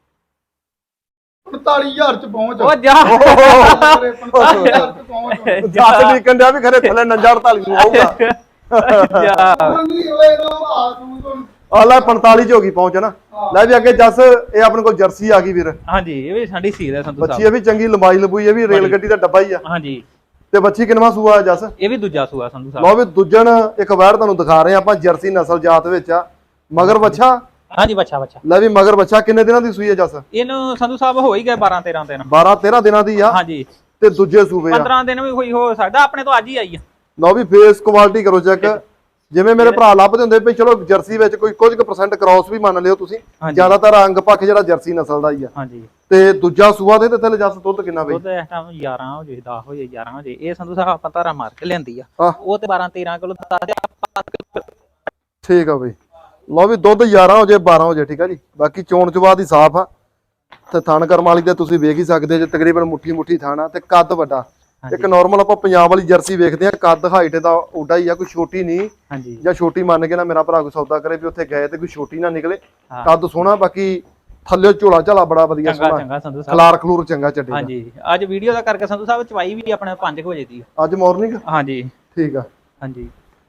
ਪੰਤਾਲੀ ਹਜ਼ਾਰ ਚ ਪਹੁੰਚ। ਉਹ ਜਾ ਪੰਤਾਲੀ ਹਜ਼ਾਰ ਚ ਪਹੁੰਚ। ਜੱਸ ਨਹੀਂ ਕੰਡਿਆ ਵੀ ਖਰੇ ਥੱਲੇ ਨੰਜਾ ਅੜਤਾਲੀ ਨੂੰ ਆਊਗਾ। ਜਾ ਨਹੀਂ ਹੋਏ ਤਾਂ ਆ ਤੂੰ ਤੋਂ ਆ ਲੈ ਪੰਤਾਲੀ ਚ ਹੋ ਗਈ ਪਹੁੰਚ ਨਾ। ਲੈ ਵੀ ਅੱਗੇ ਜੱਸ ਇਹ ਆਪਣੇ ਕੋਲ ਜਰਸੀ ਆ ਗਈ ਵੀਰ, ਹਾਂਜੀ ਇਹ ਵੀ ਸਾਡੀ ਸੀਲ ਹੈ ਸੰਧੂ ਬੱਚੀ ਸਾਹਿਬ। ਇਹ ਵੀ ਚੰਗੀ ਲੰਬਾਈ ਲੰਬੂਈ, ਇਹ ਵੀ ਰੇਲ ਗੱਡੀ ਦਾ ਡੱਬਾ ਹੀ ਆ। ਹਾਂਜੀ ਤੇ ਬੱਚੀ ਕਿੰਨਵਾਂ ਸੂਆ ਜੱਸ? ਇਹ ਵੀ ਦੂਜਾ ਸੂਆ ਸੰਧੂ ਸਾਹਿਬ। ਲਓ ਵੀ ਦੂਜਣ ਇੱਕ ਵਾਰ ਤੁਹਾਨੂੰ ਦਿਖਾ ਰਹੇ ਆ ਆਪਾਂ, ਜਰਸੀ ਨਸਲ ਜਾਤ ਵਿੱਚ ਆ। ਮਗਰ ਬੱਚਾ? ਹਾਂਜੀ ਬੱਚਾ ਬੱਚਾ। ਲੈ ਵੀ ਮਗਰ ਬੱਚਾ ਕਿੰਨੇ ਦਿਨਾਂ ਦੀ ਸੂਈ ਹੈ ਜੱਸ? ਇਹਨੂੰ ਸੰਧੂ ਸਾਹਿਬ ਹੋ ਹੀ ਗਏ ਬਾਰਾਂ ਤੇਰਾਂ ਦਿਨ। ਬਾਰਾਂ ਤੇਰਾਂ ਦਿਨਾਂ ਦੀ ਆ ਹਾਂਜੀ ਤੇ ਦੂਜੇ ਸੂਬੇ ਆ। ਪੰਦਰਾਂ ਦਿਨ ਵੀ ਹੋਈ ਹੋ ਸਕਦਾ, ਆਪਣੇ ਤੋਂ ਅੱਜ ਹੀ ਆਈ ਆ। ਲਓ ਵੀ ਫੇਸ ਕੁਆਲਿਟੀ ਕਰੋ ਚੈੱਕ, ਜਿਵੇਂ ਮੇਰੇ ਭਰਾ ਲੱਭਦੇ ਹੁੰਦੇ ਵੀ ਚਲੋ ਜਰਸੀ ਵਿੱਚ ਕੋਈ ਕੁਝ ਕੁ ਪਰਸੈਂਟ ਕ੍ਰਾਸ ਵੀ ਮੰਨ ਲਿਓ ਤੁਸੀਂ, ਜ਼ਿਆਦਾਤਰ ਅੰਗ ਪੱਖ ਜਿਹੜਾ ਜਰਸੀ ਨਸਲ ਦਾ ਹੀ ਆ। ਹਾਂਜੀ ਤੇ ਦੂਜਾ ਸੂਆ ਦੇ ਤੇ ਥੱਲੇ ਜੱਸ ਦੁੱਧ ਕਿੰਨਾ ਬਈ? ਦੁੱਧ ਇਸ ਟਾਈਮ ਗਿਆਰਾਂ ਹੋ ਜੇ, ਦਸ ਹੋ ਜੇ, ਗਿਆਰਾਂ ਹੋ ਜੇ। ਇਹ ਸੰਧੂ ਸਾਹਿਬ ਆਪਾਂ ਧਾਰਾ ਮਾਰ ਕੇ ਲਿਆਂਦੀ ਆ, ਹਾਂ। ਉਹ ਤੇ ਬਾਰਾਂ ਤੇਰਾਂ ਕਿਲੋ ਦੱਸਦੇ ਆਪਾਂ। ਠੀਕ ਆ ਬਈ। ਲਓ ਵੀ ਦੁੱਧ ਗਿਆਰਾਂ ਹੋ ਜੇ ਬਾਰਾਂ ਹੋ ਜੇ, ਠੀਕ ਆ ਜੀ। ਬਾਕੀ ਚੋਣ ਚਵਾ ਦੀ ਸਾਫ ਆ ਤੇ ਥਣ ਕਰਮ ਵਾਲੀ ਤੇ ਤੁਸੀਂ ਵੇਖ ਹੀ ਸਕਦੇ ਜੇ, ਤਕਰੀਬਨ ਮੁੱਠੀ ਮੁੱਠੀ ਥਣ ਆ ਤੇ ਕੱਦ ਵੱਡਾ। ਇੱਕ ਨਾਰਮਲ ਆਪਾਂ ਪੰਜਾਬ ਵਾਲੀ ਜਰਸੀ ਵੇਖਦੇ ਆ, ਕੱਦ ਹਾਈਟ ਦਾ ਓਡਾ ਹੀ ਆ, ਕੋਈ ਛੋਟੀ ਨਹੀਂ। ਹਾਂਜੀ ਜਾਂ ਛੋਟੀ ਮੰਨ ਕੇ ਨਾ ਮੇਰਾ ਭਰਾ ਕੋਈ ਸੌਦਾ ਕਰੇ ਵੀ ਉੱਥੇ ਗਏ ਤੇ ਕੋਈ ਛੋਟੀ ਨਾ ਨਿਕਲੇ। ਕੱਦ ਸੋਹਣਾ, ਬਾਕੀ ਥੱਲੇ ਝੋਲਾ ਝਾਲਾ ਬੜਾ ਵਧੀਆ ਚੰਗਾ ਸੋਹਣਾ, ਚੰਗਾ ਸੰਧੂ ਸਾਹਿਬ। ਖਲਾਰ ਖਲੂਰ ਚੰਗਾ ਚੱਡੇ। ਹਾਂਜੀ ਅੱਜ ਵੀਡੀਓ ਦਾ ਕਰਕੇ ਸੰਧੂ ਸਾਹਿਬ ਚਵਾਈ ਵੀ ਆਪਣੇ ਪੰਜ ਵਜੇ ਦੀ ਆ ਅੱਜ ਮਾਰਨਿੰਗ? ਹਾਂਜੀ ਠੀਕ ਆ। ਹਾਂਜੀ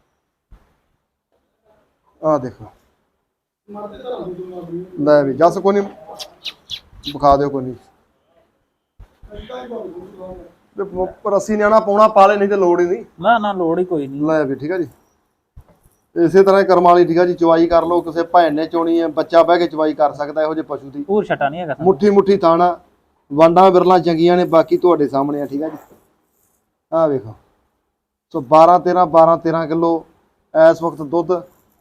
ਆ ਦੇਖੋ ਲੈ ਵੀ ਜੱਸ ਕੋਈ ਨਹੀਂ ਵਿਖਾ ਦਿਓ ਕੋਈ ਨਹੀਂ। ਪਰ ਅਸੀਂ ਨਿਆਣਾ ਪਾਉਣਾ ਪਾ ਲੈ, ਨਹੀਂ ਤੇ ਲੋੜ ਹੀ ਨਹੀਂ। ਨਾ ਨਾ ਲੋੜ ਹੀ ਕੋਈ ਨਹੀਂ। ਲੈ ਵੀ ਠੀਕ ਆ ਜੀ। ਇਸੇ ਤਰ੍ਹਾਂ ਹੀ ਕਰਮ ਵਾਲੀ ਠੀਕ ਆ ਜੀ, ਚਵਾਈ ਕਰ ਲਓ। ਕਿਸੇ ਭੈਣ ਨੇ ਚੋਣੀ ਹੈ, ਬੱਚਾ ਬਹਿ ਕੇ ਚਵਾਈ ਕਰ ਸਕਦਾ ਇਹੋ ਜਿਹੇ ਪਸ਼ੂ ਦੀ। ਪੂਰ ਛਟਾ ਨਹੀਂ ਹੈਗਾ। ਮੁੱਠੀ ਮੁੱਠੀ ਥਾਣਾ, ਵਾਂਡਾਂ ਬਿਰਲਾਂ ਚੰਗੀਆਂ ਨੇ, ਬਾਕੀ ਤੁਹਾਡੇ ਸਾਹਮਣੇ ਆ। ਠੀਕ ਆ ਜੀ, ਆਹ ਵੇਖੋ। ਸੋ ਬਾਰਾਂ ਤੇਰਾਂ ਬਾਰਾਂ ਤੇਰਾਂ ਕਿਲੋ ਇਸ ਵਕਤ ਦੁੱਧ।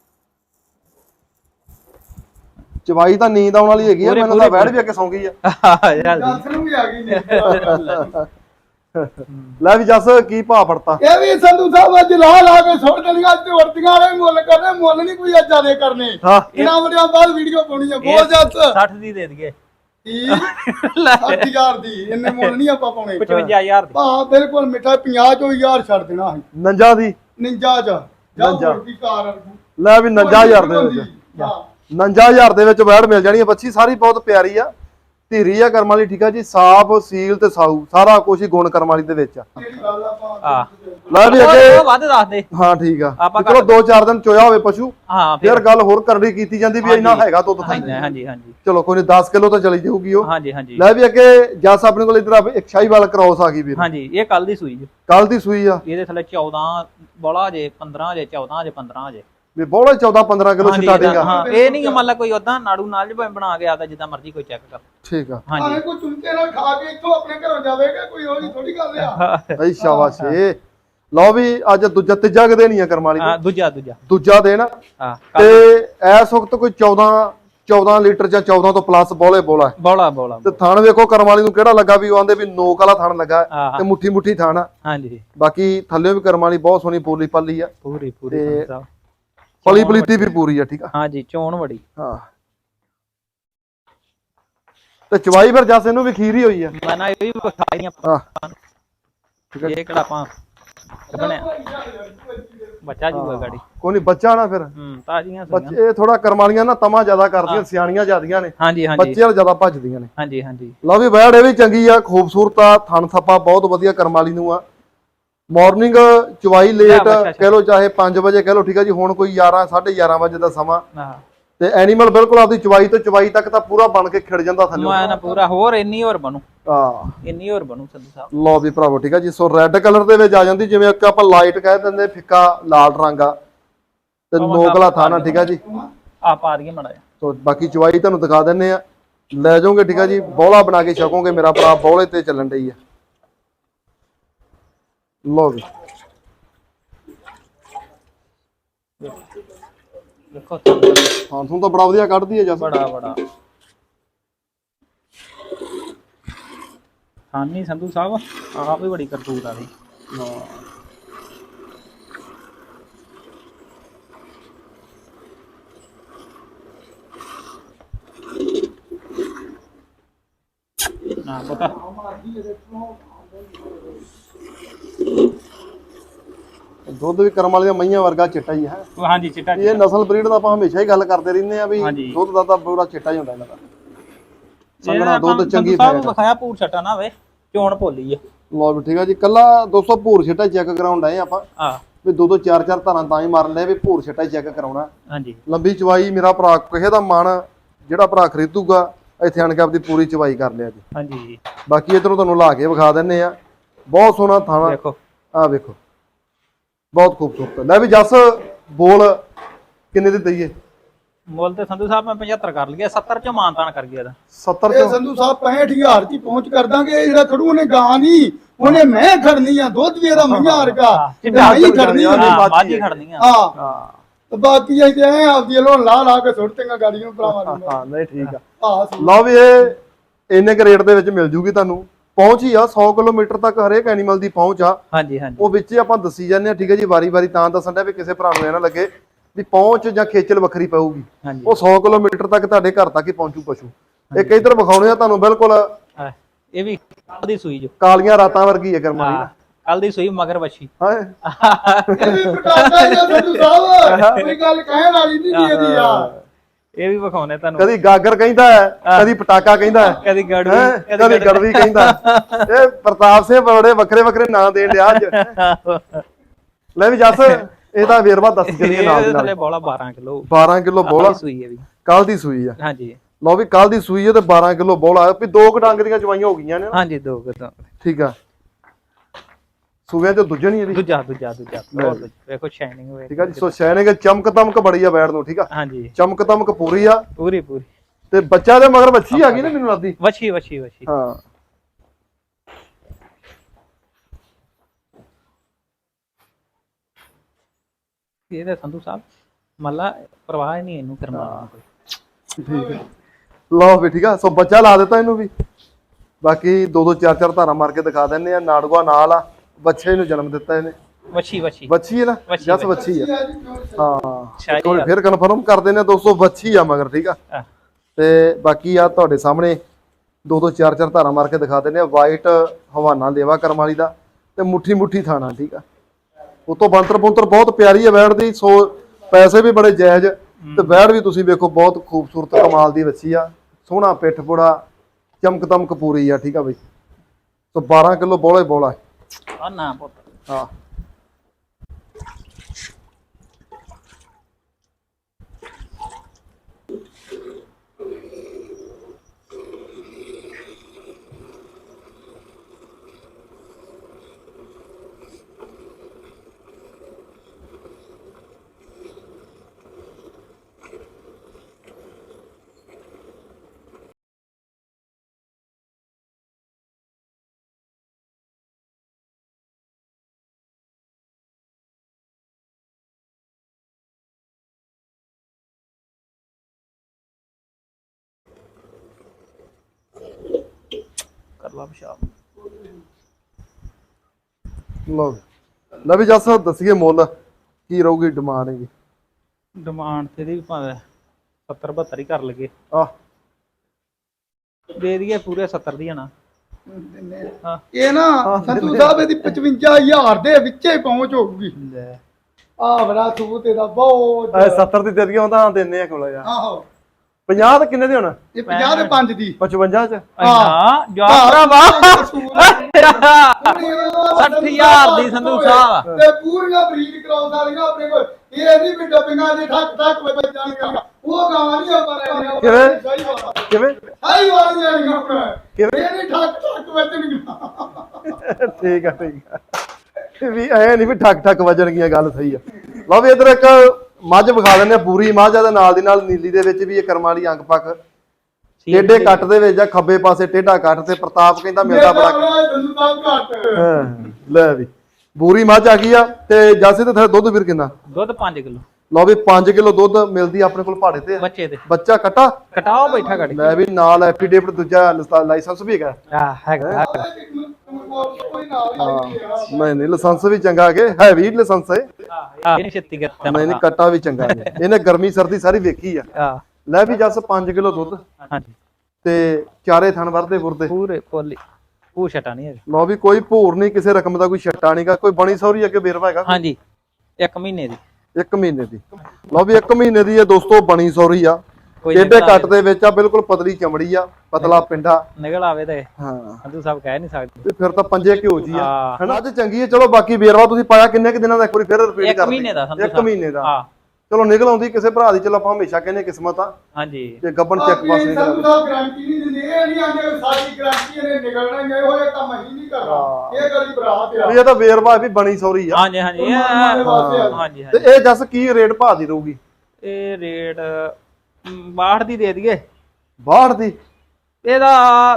ਚਵਾਈ ਤਾਂ ਨੀਂਦ ਆਉਣ ਵਾਲੀ ਹੈਗੀ ਆ, ਮੈਨੂੰ ਤਾਂ ਵੈੜ ਵੀ ਅੱਗੇ ਸੌਂ ਗਈ ਆ। ਜੱਸ ਨੂੰ ਵੀ ਆ ਗਈ ਨੇ। ਲੈ ਵੀ ਜੱਸ ਕੀ ਭਾਅ ਫੜਤਾ? ਇਹ ਵੀ ਸੰਧੂ ਸਾਹਿਬ ਅੱਜ ਲਾ ਲਾ ਕੇ ਸੁੱਟ ਦੇਣੀਆਂ ਤੇ ਵਰਤੀਆਂ ਵਾਲੇ ਮੁੱਲ ਕਰਨੇ, ਮੁੱਲ ਨਹੀਂ ਕੋਈ ਅੱਜ ਜ਼ਿਆਦੇ ਕਰਨੇ। ਹਾਂ ਕਿੰਨਾ ਵੜਿਆ ਬਾਅਦ ਵੀਡੀਓ ਪਾਉਣੀ ਆ। ਬੋਲ ਜੱਸ ਸੱਠ ਦੀ ਦੇ ਦਈਏ। ਸੱਠ ਹਜ਼ਾਰ ਦੀ ਇੰਨੇ ਮੁੱਲ ਨਹੀਂ ਆਪਾਂ ਪਾਉਣੇ। ਪਚਵੰਜਾ ਹਜ਼ਾਰ ਦੀ। ਹਾਂ ਬਿਲਕੁਲ ਮਿੱਠਾ ਪੰਜਾਹ ਚੋਂ ਹਜ਼ਾਰ ਛੱਡ ਦੇਣਾ ਅਸੀਂ ਨੰਜਾ ਦੀ। ਨਿੰਜਾ ਚ ਜਾਂ ਹੋਰ ਕੀ ਕਾਰ। ਲੈ ਵੀ ਨੰਜਾ ਹਜ਼ਾਰ ਦੇ ਵਿੱਚ, ਹਾਂ ਨੰਜਾ ਹਜ਼ਾਰ ਦੇ ਵਿੱਚ ਵੈੜ ਮਿਲ ਜਾਣੀ ਹੈ। ਬੱਚੀ ਸਾਰੀ ਬਹੁਤ ਪਿਆਰੀ ਆ, ਧੀਰੀ ਆ ਕਰਮ ਵਾਲੀ। ਠੀਕ ਆ ਜੀ, ਸਾਫ ਸੀਲ ਤੇ ਸਾਊ ਸਾਰਾ ਕੁਝ ਹੀ ਗੁਣ ਕਰਮ ਵਾਲੀ ਦੇ ਵਿੱਚ ਆ। ਜਿਹੜੀ ਗੱਲ ਆਪਾਂ ਆ ਲੈ ਵੀ ਅੱਗੇ ਵੱਧ ਦੱਸ ਦੇ। ਹਾਂ ਠੀਕ ਆ, ਆਪਾਂ ਚਲੋ ਦੋ ਚਾਰ ਦਿਨ ਚੋਇਆ ਹੋਵੇ ਪਸ਼ੂ, ਹਾਂ ਫਿਰ ਗੱਲ ਹੋਰ ਕਰਨੀ ਕੀਤੀ ਜਾਂਦੀ ਵੀ ਇੰਨਾ ਹੈਗਾ ਦੁੱਧ ਤਾਂ। ਹਾਂਜੀ ਹਾਂਜੀ ਚਲੋ ਕੋਈ ਨਹੀਂ, ਦਸ ਕਿਲੋ ਤਾਂ ਚਲੀ ਜਾਊਗੀ ਉਹ। ਹਾਂਜੀ ਹਾਂਜੀ ਲੈ ਵੀ ਅੱਗੇ ਜੱਸ ਆਪਣੇ ਕੋਲ ਇਧਰ ਇੱਕ ਸ਼ਾਹੀਵਾਲ ਕ੍ਰੋਸ ਆ ਗਈ ਵੀਰ। ਹਾਂਜੀ ਇਹ ਕੱਲ ਦੀ ਸੂਈ ਜੀ। ਕੱਲ ਦੀ ਸੂਈ ਆ। ਇਹਦੇ ਥੱਲੇ ਚੌਦਾਂ ਬੋਲਾ ਜੇ, ਪੰਦਰਾਂ ਜੇ, ਚੌਦਾਂ ਜੇ, ਪੰਦਰਾਂ ਜੇ। ਵੀ ਬੋਲਾ ਚੌਦਾਂ ਪੰਦਰਾਂ ਕਿਲੋ ਸਟਾਰਟਿੰਗ ਆ। ਹਾਂ ਇਹ ਨਹੀਂ ਮੰਨ ਲਾ ਕੋਈ ਉਦਾਂ ਨਾੜੂ ਨਾਲ ਜਿਹਾ ਬਣਾ ਕੇ ਆਦਾ, ਜਿੱਦਾਂ ਮਰਜ਼ੀ ਕੋਈ ਚੈੱਕ ਕਰ। ਠੀਕ ਆ। ਹਾਂਜੀ ਕੋਈ ਚੁੰਤੇ ਨਾਲ ਖਾ ਕੇ ਇੱਥੋਂ ਆਪਣੇ ਘਰੋਂ ਜਾਵੇਗਾ, ਕੋਈ ਹੋਰ ਥੋੜੀ ਗੱਲ ਆ। ਬਈ ਸ਼ਾਬਾਸ਼ ਏ। ਲਓ ਵੀ ਅੱਜ ਦੂਜਾ ਤੀਜਾ ਕੁ ਦਿਨ ਹੀ ਆ ਕਰਮ ਵਾਲੀ। ਹਾਂ ਦੂਜਾ ਦੂਜਾ ਦੂਜਾ ਦਿਨ ਹਾਂ। ਤੇ ਇਸ ਵਕਤ ਕੋਈ ਚੌਦਾਂ ਚੌਦਾਂ ਲੀਟਰ ਜਾਂ ਚੌਦਾਂ ਤੋਂ ਪਲੱਸ ਬੋਲੇ ਬੋਲਾ ਬੋਲਾ ਬੋਲਾ। ਤੇ ਥਣ ਵੇਖੋ ਕਰਮ ਵਾਲੀ ਨੂੰ ਕਿਹੜਾ ਲੱਗਾ, ਵੀ ਉਹ ਆਂਦੇ ਵੀ ਨੋਕ ਵਾਲਾ ਥਣ ਲੱਗਾ ਤੇ ਮੁੱਠੀ ਮੁੱਠੀ ਥਣ ਆ। ਹਾਂਜੀ ਬਾਕੀ ਥੱਲੇ ਵੀ ਕਰਮ ਵਾਲੀ ਬਹੁਤ ਸੋਹਣੀ ਪੋਲੀ ਪੱਲੀ ਆ, ਪੂਰੀ ਪੂਰੀ ਪਲੀ ਪਲੀਤੀ ਵੀ ਪੂਰੀ ਆ। ਠੀਕ ਆ। ਹਾਂਜੀ ਚੋਣ ਬੜੀ। ਹਾਂ ਤੇ ਚਵਾਈ ਫਿਰ ਜੱਸ ਇਹਨੂੰ ਵੀ ਖੀਰ ਹੀ ਹੋਈ ਆ। ਮੈਂ ਨਾ ਇਹ ਵੀ ਵਿਖਾਈਆਂ। ਹਾਂ ਇਹ ਕਿਹੜਾ ਆਪਾਂ ਬਣਿਆ ਬੱਚਾ ਜੂਗਾ ਗਾੜੀ। ਕੋਈ ਨਹੀਂ ਬੱਚਾ ਨਾ ਫਿਰ ਹੂੰ ਤਾਜ਼ੀਆਂ ਬੱਚੇ ਇਹ ਥੋੜਾ ਕਰਮ ਵਾਲੀਆਂ ਨਾ ਤਮਾ ਜ਼ਿਆਦਾ ਕਰਦੀਆਂ, ਸਿਆਣੀਆਂ ਜ਼ਿਆਦੀਆਂ ਨੇ। ਹਾਂਜੀ ਹਾਂਜੀ ਬੱਚੇ ਵਾਲ ਜ਼ਿਆਦਾ ਭੱਜਦੀਆਂ ਨੇ। ਹਾਂਜੀ ਹਾਂਜੀ ਲਓ ਵੀ ਵੈੜ ਇਹ ਵੀ ਚੰਗੀ ਆ, ਖੂਬਸੂਰਤ ਆ, ਥਣ ਥੱਪਾ ਬਹੁਤ ਵਧੀਆ ਕਰਮ ਵਾਲੀ ਨੂੰ ਆ। ਮਾਰਨਿੰਗ ਚਵਾਈ ਲੇਟ ਕਹਿ ਲੋ, ਚਾਹੇ ਪੰਜ ਵਜੇ ਕਹਿ ਲੋ। ਠੀਕ ਆ ਜੀ, ਹੁਣ ਕੋਈ ਗਿਆਰਾਂ ਸਾਢੇ ਗਿਆਰਾਂ ਵਜੇ ਦਾ ਸਮਾਂ ਤੇ ਐਨੀਮਲ ਬਿਲਕੁਲ ਆਪਦੀ ਚਵਾਈ ਤੋਂ ਚਵਾਈ ਤੱਕ ਤਾਂ ਪੂਰਾ ਬਣ ਕੇ ਖਿੜ ਜਾਂਦਾ ਥੱਲੇ। ਮੈਂ ਨਾ ਪੂਰਾ ਹੋਰ ਇੰਨੀ ਹੋਰ ਬਣੂ। ਹਾਂ ਇੰਨੀ ਹੋਰ ਬਣੂ ਸੰਧੂ ਸਾਹਿਬ। ਲਓ ਵੀ ਭਰਾਵੋ ਠੀਕ ਆ ਜੀ। ਸੋ ਰੈੱਡ ਕਲਰ ਦੇ ਵਿੱਚ ਆ ਜਾਂਦੀ, ਜਿਵੇਂ ਇੱਕ ਆਪਾਂ ਲਾਈਟ ਕਹਿ ਦਿੰਦੇ, ਫਿੱਕਾ ਲਾਲ ਰੰਗ ਆ ਤੇ ਨੋਕਲਾ ਥਾਣਾ। ਠੀਕ ਆ ਜੀ, ਆ ਪਾ ਦਈਏ ਮੜਾ। ਸੋ ਬਾਕੀ ਚਵਾਈ ਤੁਹਾਨੂੰ ਦਿਖਾ ਦਿੰਨੇ ਆ, ਲੈ ਜਾਓਗੇ। ਠੀਕ ਆ ਜੀ, ਬੋਲਾ ਬਣਾ ਕੇ ਛਕੋਗੇ। ਮੇਰਾ ਭਰਾ ਬੋਲੇ ਤੇ ਚੱਲਣ ਡਈ ਆ। ਲਓ ਵੀ ਦੇਖੋ ਹਾਂ ਤੁਹਾਨੂੰ ਤਾਂ ਬੜਾ ਵਧੀਆ ਕੱਢਦੀ ਹੈ ਜਸ ਬੜਾ ਬੜਾ ਹਾਨੀ ਸੰਧੂ ਸਾਹਿਬ ਆਹ ਵੀ ਬੜੀ ਕਰਤੂਤ ਆ ਵੀ ਨਾ ਪਤਾ ਦੁੱਧ ਵੀ ਕਰਮ ਵਾਲੀਆਂ ਮਈਆਂ ਵਰਗਾ ਚਿੱਟਾ ਹੀ ਹੈ ਹਾਂਜੀ ਚਿੱਟਾ ਇਹ ਨਸਲ ਬਰੀਡ ਦਾ ਆਪਾਂ ਹਮੇਸ਼ਾ ਹੀ ਗੱਲ ਕਰਦੇ ਰਹਿੰਦੇ ਆ ਵੀ ਹਾਂਜੀ। ਦੁੱਧ ਦਾ ਤਾਂ ਪੂਰਾ ਚਿੱਟਾ ਹੀ ਹੁੰਦਾ ਇਹਨਾਂ ਦਾ ਸੰਗਣਾ ਦੁੱਧ ਸੰਧੂ ਚੰਗੀ ਸਾਹਿਬ ਫੈਟ ਵਿਖਾਇਆ ਪੂਰ ਛੱਟਾ ਨਾ ਹੋਵੇ ਚੋਣ ਭੋਲੀ ਆ ਲਓ ਵੀ ਠੀਕ ਆ ਜੀ ਕੱਲਾ ਦੋਸਤੋ ਭੂਰ ਛਿੱਟਾ ਚੈੱਕ ਕਰਾਉਣ ਡਏ ਆਪਾਂ ਆ ਵੀ ਦੋ ਦੋ ਚਾਰ ਚਾਰ ਧਾਰਾਂ ਤਾਂ ਹੀ ਮਾਰਨ ਲਏ ਵੀ ਭੂਰ ਛਿੱਟਾ ਚੈੱਕ ਕਰਾਉਣਾ ਹਾਂਜੀ ਲੰਬੀ ਚਵਾਈ ਮੇਰਾ ਭਰਾ ਕਿਸੇ ਦਾ ਮਨ ਜਿਹੜਾ ਭਰਾ ਖਰੀਦੂਗਾ ਇੱਥੇ ਆਣ ਕੇ ਆਪਦੀ ਪੂਰੀ ਚਵਾਈ ਕਰ ਲਿਆ ਜੀ ਹਾਂਜੀ ਬਾਕੀ ਇਧਰੋਂ ਤੁਹਾਨੂੰ ਲਾ ਕੇ ਵਿਖਾ ਦਿੰਨੇ ਆ ਬਹੁਤ ਸੋਹਣਾ ਥਾਣਾ ਦੇਖੋ ਆ ਵੇਖੋ ਬਹੁਤ ਖੂਬਸੂਰਤ ਲੈ ਵੀ ਜੱਸ ਬੋਲ ਕਿੰਨੇ ਦੇ ਦਈਏ ਮੁੱਲ ਤੇ ਸੰਧੂ ਸਾਹਿਬ ਮੈਂ ਪਝੱਤਰ ਕਰ ਲਿਆ ਸੱਤਰ ਚੋਂ ਮਾਨਤਾਨ ਕਰ ਗਿਆ ਇਹਦਾ ਸੱਤਰ ਇਹ ਚੋਂ ਸੰਧੂ ਸਾਹਿਬ ਪੈਂਹਠ ਹਜ਼ਾਰ ਚ ਪਹੁੰਚ ਕਰ ਦਾਂਗੇ ਇਹ ਜਿਹੜਾ ਖੜੂ ਉਹਨੇ ਗਾਂ ਨਹੀਂ ਉਹਨੇ ਮੈਂ ਖੜਨੀ ਆ ਦੁੱਧ ਵੀ ਇਹਦਾ ਮਈਆਂ ਵਰਗਾ ਤੇ ਮੈਂ ਹੀ ਖੜਨੀ ਆ ਹਾਂ, ਹਾਂ ਬਾਜੀ ਖੜਨੀਆਂ ਹਾਂ ਹਾਂ ਤੇ ਬਾਕੀ ਇਹ ਤੇ ਐ ਆਪਦੀ ਲੋਨ ਲਾ ਲਾ ਕੇ ਸੁੱਟ ਤੇਗਾ ਗਾੜੀ ਨੂੰ ਭਰਾਵਾਂ ਨੂੰ ਹਾਂ ਨਹੀਂ ਠੀਕ ਆ ਆ ਲਓ ਵੀ ਇਹ ਇੰਨੇ ਕੁ ਰੇਟ ਦੇ ਵਿੱਚ ਮਿਲ ਜੂਗੀ ਤੁਹਾਨੂੰ ਪਹੁੰਚ ਹੀ ਆ ਸੌ ਕਿਲੋਮੀਟਰ ਤੱਕ ਹਰੇਕ ਐਨੀਮਲ ਦੀ ਪਹੁੰਚ ਆ ਹਾਂਜੀ ਹਾਂਜੀ ਉਹ ਵਿੱਚ ਹੀ ਆਪਾਂ ਦੱਸੀ ਜਾਂਦੇ ਆ ਠੀਕ ਹੈ ਜੀ ਵਾਰੀ ਵਾਰੀ ਤਾਂ ਦੱਸਣ ਡਿਆ ਵੀ ਕਿਸੇ ਭਰਾ ਨੂੰ ਇਹ ਨਾ ਲੱਗੇ ਵੀ ਪਹੁੰਚ ਜਾਂ ਖੇਚਲ ਵੱਖਰੀ ਪਊਗੀ ਹਾਂਜੀ ਉਹ ਸੌ ਕਿਲੋਮੀਟਰ ਤੱਕ ਤੁਹਾਡੇ ਘਰ ਤੱਕ ਹੀ ਪਹੁੰਚੂ ਪਸ਼ੂ ਇੱਕ ਇਧਰ ਵਿਖਾਉਣੇ ਆ ਤੁਹਾਨੂੰ ਬਿਲਕੁਲ ਹਾਂ, ਇਹ ਵੀ ਕੱਲ ਦੀ ਸੂਈ ਜੋ ਕਾਲੀਆਂ ਰਾਤਾਂ ਵਰਗੀ ਹੈ ਕਰਮਾਲੀ ਹਾਂ ਕੱਲ ਦੀ ਸੂਈ ਮਗਰ ਵੱਛੀ ਹਾਂ ਇਹ ਵੀ ਪਟਾਕਾ ਹੀ ਆ ਸੰਧੂ ਸਾਹਿਬ ਕੋਈ ਗੱਲ ਕਹਿਣ ਵਾਲੀ ਨਹੀਂ ਜੀ ਇਹਦੀ ਯਾਰ ਇਹ ਵੀ ਵਿਖਾਉਣੇ ਤੁਹਾਨੂੰ ਕਦੀ ਗਾਗਰ ਕਹਿੰਦਾ ਹੈ ਕਦੀ ਪਟਾਕਾ ਕਹਿੰਦਾ ਹੈ ਕਦੀ ਗੜਵੀ ਹੈਂ, ਕਦੀ ਗੜਵੀ ਕਹਿੰਦਾ ਇਹ ਪ੍ਰਤਾਪ ਸਿੰਘ ਬੜੇ ਵੱਖਰੇ ਵੱਖਰੇ ਨਾਂ ਦੇਣ ਡਿਆ ਅੱਜ ਲੈ ਵੀ ਜੱਸ ਇਹਦਾ ਵੇਰਵਾ ਦੱਸ ਚੱਲੀਏ ਨਾਲ ਦੀ ਇਹ ਥੱਲੇ ਨਾਲ ਬੋਲਾ ਬਾਰਾਂ ਕਿਲੋ ਬਾਰਾਂ ਕਿਲੋ ਬੋਲਾ ਸੂਈ ਹੈ ਵੀ ਕੱਲ ਦੀ ਸੂਈ ਆ ਹਾਂਜੀ ਲਓ ਵੀ ਕੱਲ ਦੀ ਸੂਈ ਹੈ ਤੇ ਬਾਰਾਂ ਕਿਲੋ ਬੋਲਾ ਵੀ ਦੋ ਕੁ ਡੰਗ ਦੀਆਂ ਚਵਾਈਆਂ ਹੋ ਗਈਆਂ ਨੇ ਨਾ ਹਾਂਜੀ ਦੋ ਕਿਲੋ ਠੀਕ ਆ ਸੂਬਿਆਂ ਚ ਦੂਜਾ ਨਹੀਂ ਇਹਦੀ ਦੂਜਾ ਦੂਜਾ ਦੂਜਾ ਬਹੁਤ ਵਧੀਆ। ਵੇਖੋ ਸ਼ਾਈਨਿੰਗ ਵੇਖ ਠੀਕ ਆ ਜੀ ਸੋ ਸ਼ੈਨੇ ਕੇ ਚਮਕ ਤਮਕ ਬੜੀ ਆ ਬੈਠ ਨੂੰ ਠੀਕ ਆ ਹਾਂਜੀ ਚਮਕ ਤਮਕ ਪੂਰੀ ਆ ਪੂਰੀ ਪੂਰੀ ਤੇ ਬੱਚਾ ਦੇ ਮਗਰ ਬੱਚੀ ਆ ਗਈ ਨਾ ਮੈਨੂੰ ਲੱਗਦੀ ਵੱਛੀ ਵੱਛੀ ਵੱਛੀ ਹਾਂ ਇਹ ਤੇ ਸੰਧੂ ਸਾਹਿਬ ਮੱਲਾ ਪਰਵਾਹ ਨਹੀਂ ਇਹਨੂੰ ਕਰਨਾ ਕੋਈ ਠੀਕ ਹੈ ਲਓ ਵੀ ਠੀਕ ਆ ਸੋ ਬੱਚਾ ਲਾ ਦਿੱਤਾ ਇਹਨੂੰ ਵੀ ਬਾਕੀ ਦੋ ਦੋ ਚਾਰ ਚਾਰ ਧਾਰਾਂ ਮਾਰ ਕੇ ਦਿਖਾ ਦਿੰਨੇ ਆ ਨਾੜੂਆ ਨਾਲ ਆ ਬੱਚੇ ਨੂੰ ਜਨਮ ਦਿੱਤਾ ਇਹਨੇ ਵੱਛੀ ਵੱਛੀ ਬੱਚੀ ਹੈ ਨਾ ਵੱਛੀ, ਜਸ ਬੱਚੀ ਆ ਹਾਂ ਸ਼ਾਇਦ ਇੱਕ ਵਾਰੀ ਫਿਰ ਕਨਫਰਮ ਕਰ ਦਿੰਨੇ ਆ ਦੋਸਤੋ ਬੱਚੀ ਆ ਮਗਰ ਠੀਕ ਆ ਹਾਂ। ਤੇ ਬਾਕੀ ਆ ਤੁਹਾਡੇ ਸਾਹਮਣੇ ਦੋ ਦੋ ਚਾਰ ਚਾਰ ਧਾਰਾਂ ਮਾਰ ਕੇ ਦਿਖਾ ਦਿੰਨੇ ਆ ਵਾਈਟ ਹਵਾਨਾ ਲੇਵਾ ਕਰਮ ਵਾਲੀ ਦਾ ਤੇ ਮੁੱਠੀ ਮੁੱਠੀ ਥਾਣਾ ਠੀਕ ਆ ਉਤੋਂ ਬੰਤਰ ਬੰਤਰ ਬਹੁਤ ਪਿਆਰੀ ਹੈ ਵੈੜ ਦੀ ਸੋ ਪੈਸੇ ਵੀ ਬੜੇ ਜਾਇਜ਼ ਤੇ ਵੈੜ ਵੀ ਤੁਸੀਂ ਵੇਖੋ ਬਹੁਤ ਖੂਬਸੂਰਤ ਕਮਾਲ ਦੀ ਵੱਛੀ ਆ ਸੋਹਣਾ ਪਿੱਠ ਪੁੜਾ ਚਮਕ ਦਮਕ ਪੂਰੀ ਆ ਠੀਕ ਆ ਬਈ ਸੋ ਬਾਰਾਂ ਕਿਲੋ ਬੋਲਾ ਹੀ ਬੋਲਾ ਆ ਨਾ ਪੁੱਤ ਹਾਂ ਕਰ ਲਾ ਪਿਸ਼ਾਬ ਲਓ ਲੈ ਵੀ ਜੱਸ ਦੱਸੀਏ ਮੁੱਲ ਕੀ ਰਹੂਗੀ ਡਿਮਾਂਡ ਹੈਗੀ ਡਿਮਾਂਡ ਤੇ ਦੀ ਭਾਵੇਂ ਸੱਤਰ ਬਹੱਤਰ ਹੀ ਕਰ ਲਗੇ ਆ ਦੇ ਦਈਏ ਪੂਰੇ ਸੱਤਰ ਦੀ ਨਾ ਹਾਂ ਇਹ ਨਾ ਸੰਧੂ ਸਾਹਿਬ ਇਹਦੀ ਪਚਵੰਜਾ ਹਜ਼ਾਰ ਦੇ ਵਿੱਚੇ ਹੀ ਪਹੁੰਚ ਹੋਊਗੀ ਲੈ ਆ ਬੜਾ ਸਬੂਤ ਇਹਦਾ ਬਹੁਤ ਐ ਸੱਤਰ ਦੀ ਦੇ ਦਈਏ ਉਹਦਾ ਦਿੰਨੇ ਆ ਕੋਲ ਯਾਰ ਆਹੋ ਪੰਜਾਹ ਤੇ ਕਿੰਨੇ ਦੇ ਹੁਣ ਇਹ ਪੰਜਾਹ ਦੇ ਪੰਜ ਦੀ ਪਚਵੰਜਾ ਚ ਹਾਂ ਜਾ ਭਰਾਵਾ ਸੱਠ ਹਜ਼ਾਰ ਦੀ ਸੰਧੂ ਸਾਹਿਬ ਤੇ ਪੂਰੀਆਂ ਬਰੀਡ ਕਰਾਉ ਸਾਰੀਆਂ ਆਪਣੇ ਕੋਲ ਇਹ ਨਹੀਂ ਵੀ ਡੱਬੀਆਂ ਦੇ ਠੱਕ ਠੱਕ ਵੱਜ ਜਾਣਗੀਆਂ ਉਹ ਗਾਵਾਂ ਨਹੀਂ ਆਪਾਂ ਕਿਵੇਂ? ਕਿਵੇਂ ਸਾਈ ਵਾਲੀਆਂ ਨਹੀਂ ਆਪਣਾ ਕਿਵੇਂ? ਇਹ ਨਹੀਂ ਠੱਕ ਠੱਕ ਵੱਜਣਗੀਆਂ ਠੀਕ ਆ ਠੀਕ ਆ ਇਹ ਵੀ ਐ ਨਹੀਂ ਵੀ ਠੱਕ ਠੱਕ ਵੱਜਣਗੀਆਂ ਗੱਲ ਸਹੀ ਆ ਲਓ ਵੀ ਇਧਰ ਇੱਕ ਮੱਝ ਵਿਖਾ ਦਿੰਦੇ ਆ ਪੂਰੀ ਮੱਝ ਦੇ ਨਾਲ ਦੀ ਨਾਲ ਨੀਲੀ ਦੇ ਵਿੱਚ ਵੀ ਇਹ ਕਰਮਾਂ ਵਾਲੀ ਅੰਗ ਪੱਕ ਟੇਢੇ ਕੱਟ ਦੇ ਵਿੱਚ ਆ ਖੱਬੇ ਪਾਸੇ ਟੇਢਾ ਕੱਟ ਤੇ ਪ੍ਰਤਾਪ ਕਹਿੰਦਾ ਮਿਲਦਾ ਬੜਾ ਸੰਧੂ ਸਾਹਿਬ ਘੱਟ ਹਾਂ ਲੈ ਵੀ ਬੂਰੀ ਮੱਝ ਆ ਗਈ ਆ ਤੇ ਜਾਸੇ ਤੇ ਥੱਲੇ ਦੁੱਧ ਵੀਰ ਕਿੰਨਾ? ਦੁੱਧ ਪੰਜ ਕਿਲੋ। ਲਓ ਵੀ ਪੰਜ ਕਿਲੋ ਦੁੱਧ ਮਿਲਦੀ ਆਪਣੇ ਕੋਲ ਭਾੜੇ ਤੇ ਬੱਚੇ ਤੇ ਬੱਚਾ ਕੱਟਾ ਕਟਾਓ ਬੈਠਾ ਕੱਢ ਲੈ ਵੀ ਨਾਲ ਐਫੀਡੇਵਿਟ ਦੂਜਾ ਲਾਇਸੈਂਸ ਵੀ ਹੈਗਾ। ਆ ਹੈਗਾ ਕੋਈ ਨਾਲ ਹੀ ਨਹੀਂ ਨਹੀਂ ਲਾਇਸੈਂਸ ਵੀ ਚੰਗਾ ਹੈਗੇ ਹੈਵੀ ਲਾਇਸੈਂਸ ਹੈ। ਆ ਇਹ ਛੇਤੀ ਕਰਤਾ ਨਹੀਂ ਨਹੀਂ ਕੱਟਾ ਵੀ ਚੰਗਾ ਹੈ ਇਹਨੇ ਗਰਮੀ ਸਰਦੀ ਸਾਰੀ ਵੇਖੀ ਆ। ਆ ਲੈ ਵੀ ਜੱਸ ਪੰਜ ਕਿਲੋ ਦੁੱਧ ਹਾਂਜੀ ਤੇ ਚਾਰੇ ਥਣ ਵਰਦੇ ਫੁਰਦੇ ਪੂਰੇ ਪੋਲੀ ਉਹ ਛਟਾ ਨਹੀਂ ਹੈਗਾ। ਲਓ ਵੀ ਕੋਈ ਭੂਰ ਨਹੀਂ ਕਿਸੇ ਰਕਮ ਦਾ ਕੋਈ ਛੱਟਾ ਨਹੀਂਗਾ ਕੋਈ ਬਣੀ ਸੌਰੀ ਅੱਗੇ ਵੇਰਵਾ ਹੈਗਾ ਹਾਂਜੀ ਇੱਕ ਮਹੀਨੇ ਦੀ ਇੱਕ ਮਹੀਨੇ ਦੀ। ਲਓ ਵੀ ਇੱਕ ਮਹੀਨੇ ਦੀ ਇਹ ਦੋਸਤੋ ਬਣੀ ਸੌਰੀ ਆ ਕੋਈ ਏਡੇ ਕੱਟ ਦੇ ਵਿੱਚ ਆ ਬਿਲਕੁਲ ਪਤਲੀ ਚਮੜੀ ਆ ਪਤਲਾ ਪਿੰਡਾ ਨਿਕਲ ਆਵੇ ਤੇ ਹਾਂ ਸੰਧੂ ਸਾਹਿਬ ਕਹਿ ਨਹੀਂ ਸਕਦੇ ਤੇ ਫਿਰ ਤਾਂ ਪੰਜੇ ਘਿਓ ਜੀ ਆ ਹਾਂ। ਹਨਾ ਅੱਜ ਚੰਗੀ ਹੈ ਚਲੋ ਬਾਕੀ ਵੇਰਵਾ ਤੁਸੀਂ ਪਾਇਆ ਕਿੰਨੇ ਕਿ ਦਿਨਾਂ ਦਾ ਇੱਕ ਵਾਰੀ ਫਿਰ ਰਿਪੀਟ ਇੱਕ ਕਰ ਮਹੀਨੇ ਦਾ ਸੰਧੂ ਇੱਕ ਸਾਹਿਬ ਮਹੀਨੇ ਦਾ ਹਾਂ ਚਲੋ ਨਿਕਲ ਆਉਂਦੀ ਕਿਸੇ ਭਰਾ ਦੀ ਚਲੋ ਆਪਾਂ ਹਮੇਸ਼ਾ ਕਹਿੰਦੇ ਕਿਸਮਤ ਆ ਹਾਂਜੀ ਤੇ ਗੱਬਨ ਚੈੱਕ ਪਾਸ ਬਾਕੀ ਨਿਕਲ ਸੰਧੂ ਸਾਹਿਬ ਗਾਰੰਟੀ ਨਹੀਂ ਦਿੰਦੇ ਇਹ ਨਹੀਂ ਆਂਦੇ ਸਾਡੀ ਗਾਰੰਟੀ ਇਹਨੇ ਨਿਕਲਣਾ ਹੀ ਇਹੋ ਜਿਹਾ ਕੰਮ ਅਸੀਂ ਨਹੀਂ ਕਰਨਾ ਇਹ ਗਲੀ ਬਰਾਤ ਆ ਵੀ ਇਹ ਤਾਂ ਵੇਰਵਾ ਵੀ ਬਣੀ ਸੌਰੀ ਆ ਹਾਂਜੀ ਹਾਂਜੀ ਇਹ- ਪਰਮਾਤਮਾ ਦੇ ਵਾਸਤੇ ਆ। ਹਾਂਜੀ ਤੇ ਹਾਂਜੀ ਇਹ ਜੱਸ ਕੀ ਰੇਟ ਭਾ ਦੀ ਰਹੂਗੀ? ਇਹ ਰੇਟ ਬਾਹਠ ਦੀ ਦੇ ਦਈਏ ਬਾਹਠ ਦੀ ਇਹਦਾ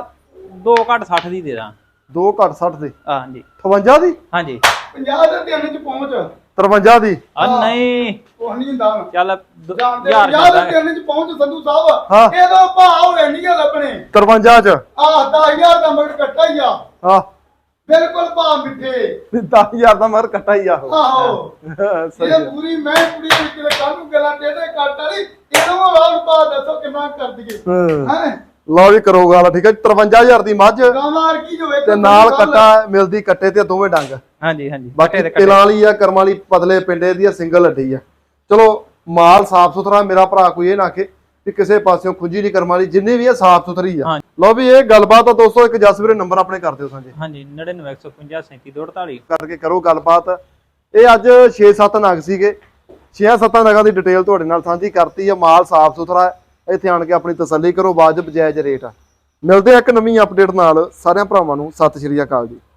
ਦੋ ਘੱਟ ਸੱਠ ਦੀ ਦੇ ਦਾਂ ਦੋ ਘੱਟ ਸੱਠ ਦੀ ਆ ਹਾਂਜੀ ਅਠਵੰਜਾ ਦੀ ਹਾਂਜੀ ਪੰਜਾਹ ਦੇ ਤਿੰਨ ਚ ਪਹੁੰਚ ਤਰਵੰਜਾ ਦੀ ਆ ਨਹੀਂ ਉਹ ਨਹੀਂ ਹੁੰਦਾ ਚੱਲ ਦ- ਜਾਣਦੇ ਹਜ਼ਾਰ ਪੰਜਾਹ ਦੇ ਜਾਂਦਾ ਤਿੰਨ ਚ ਪਹੁੰਚ ਸੰਧੂ ਹਾਂ। ਸਾਹਿਬ ਇਹਦਾ ਭਾਅ ਹੋਣੇ ਨਹੀਂ ਲੱਭਣੇ ਤਰਵੰਜਾ ਚ ਆਹ ਦਸ ਹਜ਼ਾਰ ਦਾ ਮਗਰ ਕੱਟਾ ਹੀ ਆ ਹਾਂ ਬਿਲਕੁਲ ਭਾਅ ਮਿੱਠੇ ਦਸ ਹਜ਼ਾਰ ਦਾ ਮਰ ਕੱਟਾ ਹੀ ਆ ਉਹ ਆਹੋ ਸਹੀ ਇਹ ਆ। ਪੂਰੀ ਮੈਂ ਕੁੜੀ ਵਿੱਚ ਕਿਤੇ ਕੱਲ ਨੂੰ ਗੱਲਾਂ ਟੇਢੇ ਕੱਟ ਵਾਲੀ ਇਹਨੂੰ ਵਾਲ ਪਾ ਦੱਸੋ ਕਿੰਨਾ ਕਰ ਦਈਏ ਹਾਂ। ਹੈ ਲਓ ਵੀ ਕਰੋ ਗੱਲ ਠੀਕ ਹੈ ਤਰਵੰਜਾ ਹਜ਼ਾਰ ਦੀ ਮੱਝ ਗਾਮਾਰ ਕੀ ਜੋ ਵੇਖੋ ਤੇ ਨਾਲ ਕੱਟਾ ਮਿਲਦੀ ਕੱਟੇ ਤੇ ਦੋਵੇਂ ਡੰਗ ਹਾਂਜੀ ਹਾਂਜੀ ਬਾਕੀ ਦੇ ਤਿਲਾਂ ਵਾਲੀ ਆ ਕਰਮਾਂ ਵਾਲੀ ਪਤਲੇ ਪਿੰਡੇ ਦੀ ਆ ਸਿੰਗਲ ਹੱਡੀ ਆ ਚਲੋ ਮਾਲ ਸਾਫ ਸੁਥਰਾ ਮੇਰਾ ਭਰਾ ਕੋਈ ਇਹ ਨਾ ਕਿ ਵੀ ਕਿਸੇ ਪਾਸਿਓਂ ਖੁੱਜੀ ਨਹੀਂ ਕਰਮਾਂ ਵਾਲੀ ਜਿੰਨੀ ਵੀ ਆ ਸਾਫ ਸੁਥਰੀ ਆ ਹਾਂ। ਲਓ ਵੀ ਇਹ ਗੱਲਬਾਤ ਆ ਦੋਸਤੋ ਇੱਕ ਜਸਵੀਰ ਨੰਬਰ ਆਪਣੇ ਕਰ ਦਿਓ ਸਾਂਝੇ ਹਾਂਜੀ ਨੜਿਨਵੇਂ ਇੱਕ ਸੌ ਪੰਜਾਹ ਸੈਂਤੀ ਦੋ ਅੜਤਾਲੀ ਕਰਕੇ ਕਰੋ ਗੱਲਬਾਤ ਇਹ ਅੱਜ ਛੇ ਸੱਤ ਨਗ ਸੀਗੇ ਛੇ ਸੱਤ ਨਗਾਂ ਦੀ ਡਿਟੇਲ ਤੁਹਾਡੇ ਨਾਲ ਸਾਂਝੀ ਕਰਤੀ ਆ ਮਾਲ ਸਾਫ ਸੁਥਰਾ ਹੈ ਇੱਥੇ ਆਣ ਕੇ ਆਪਣੀ ਤਸੱਲੀ ਕਰੋ ਵਾਜਬ ਜਾਇਜ਼ ਰੇਟ ਆ ਮਿਲਦੇ ਆ ਇੱਕ ਨਵੀਂ ਅਪਡੇਟ ਨਾਲ ਸਾਰਿਆਂ ਭਰਾਵਾਂ ਨੂੰ ਸਤਿ ਸ਼੍ਰੀ ਅਕਾਲ ਜੀ।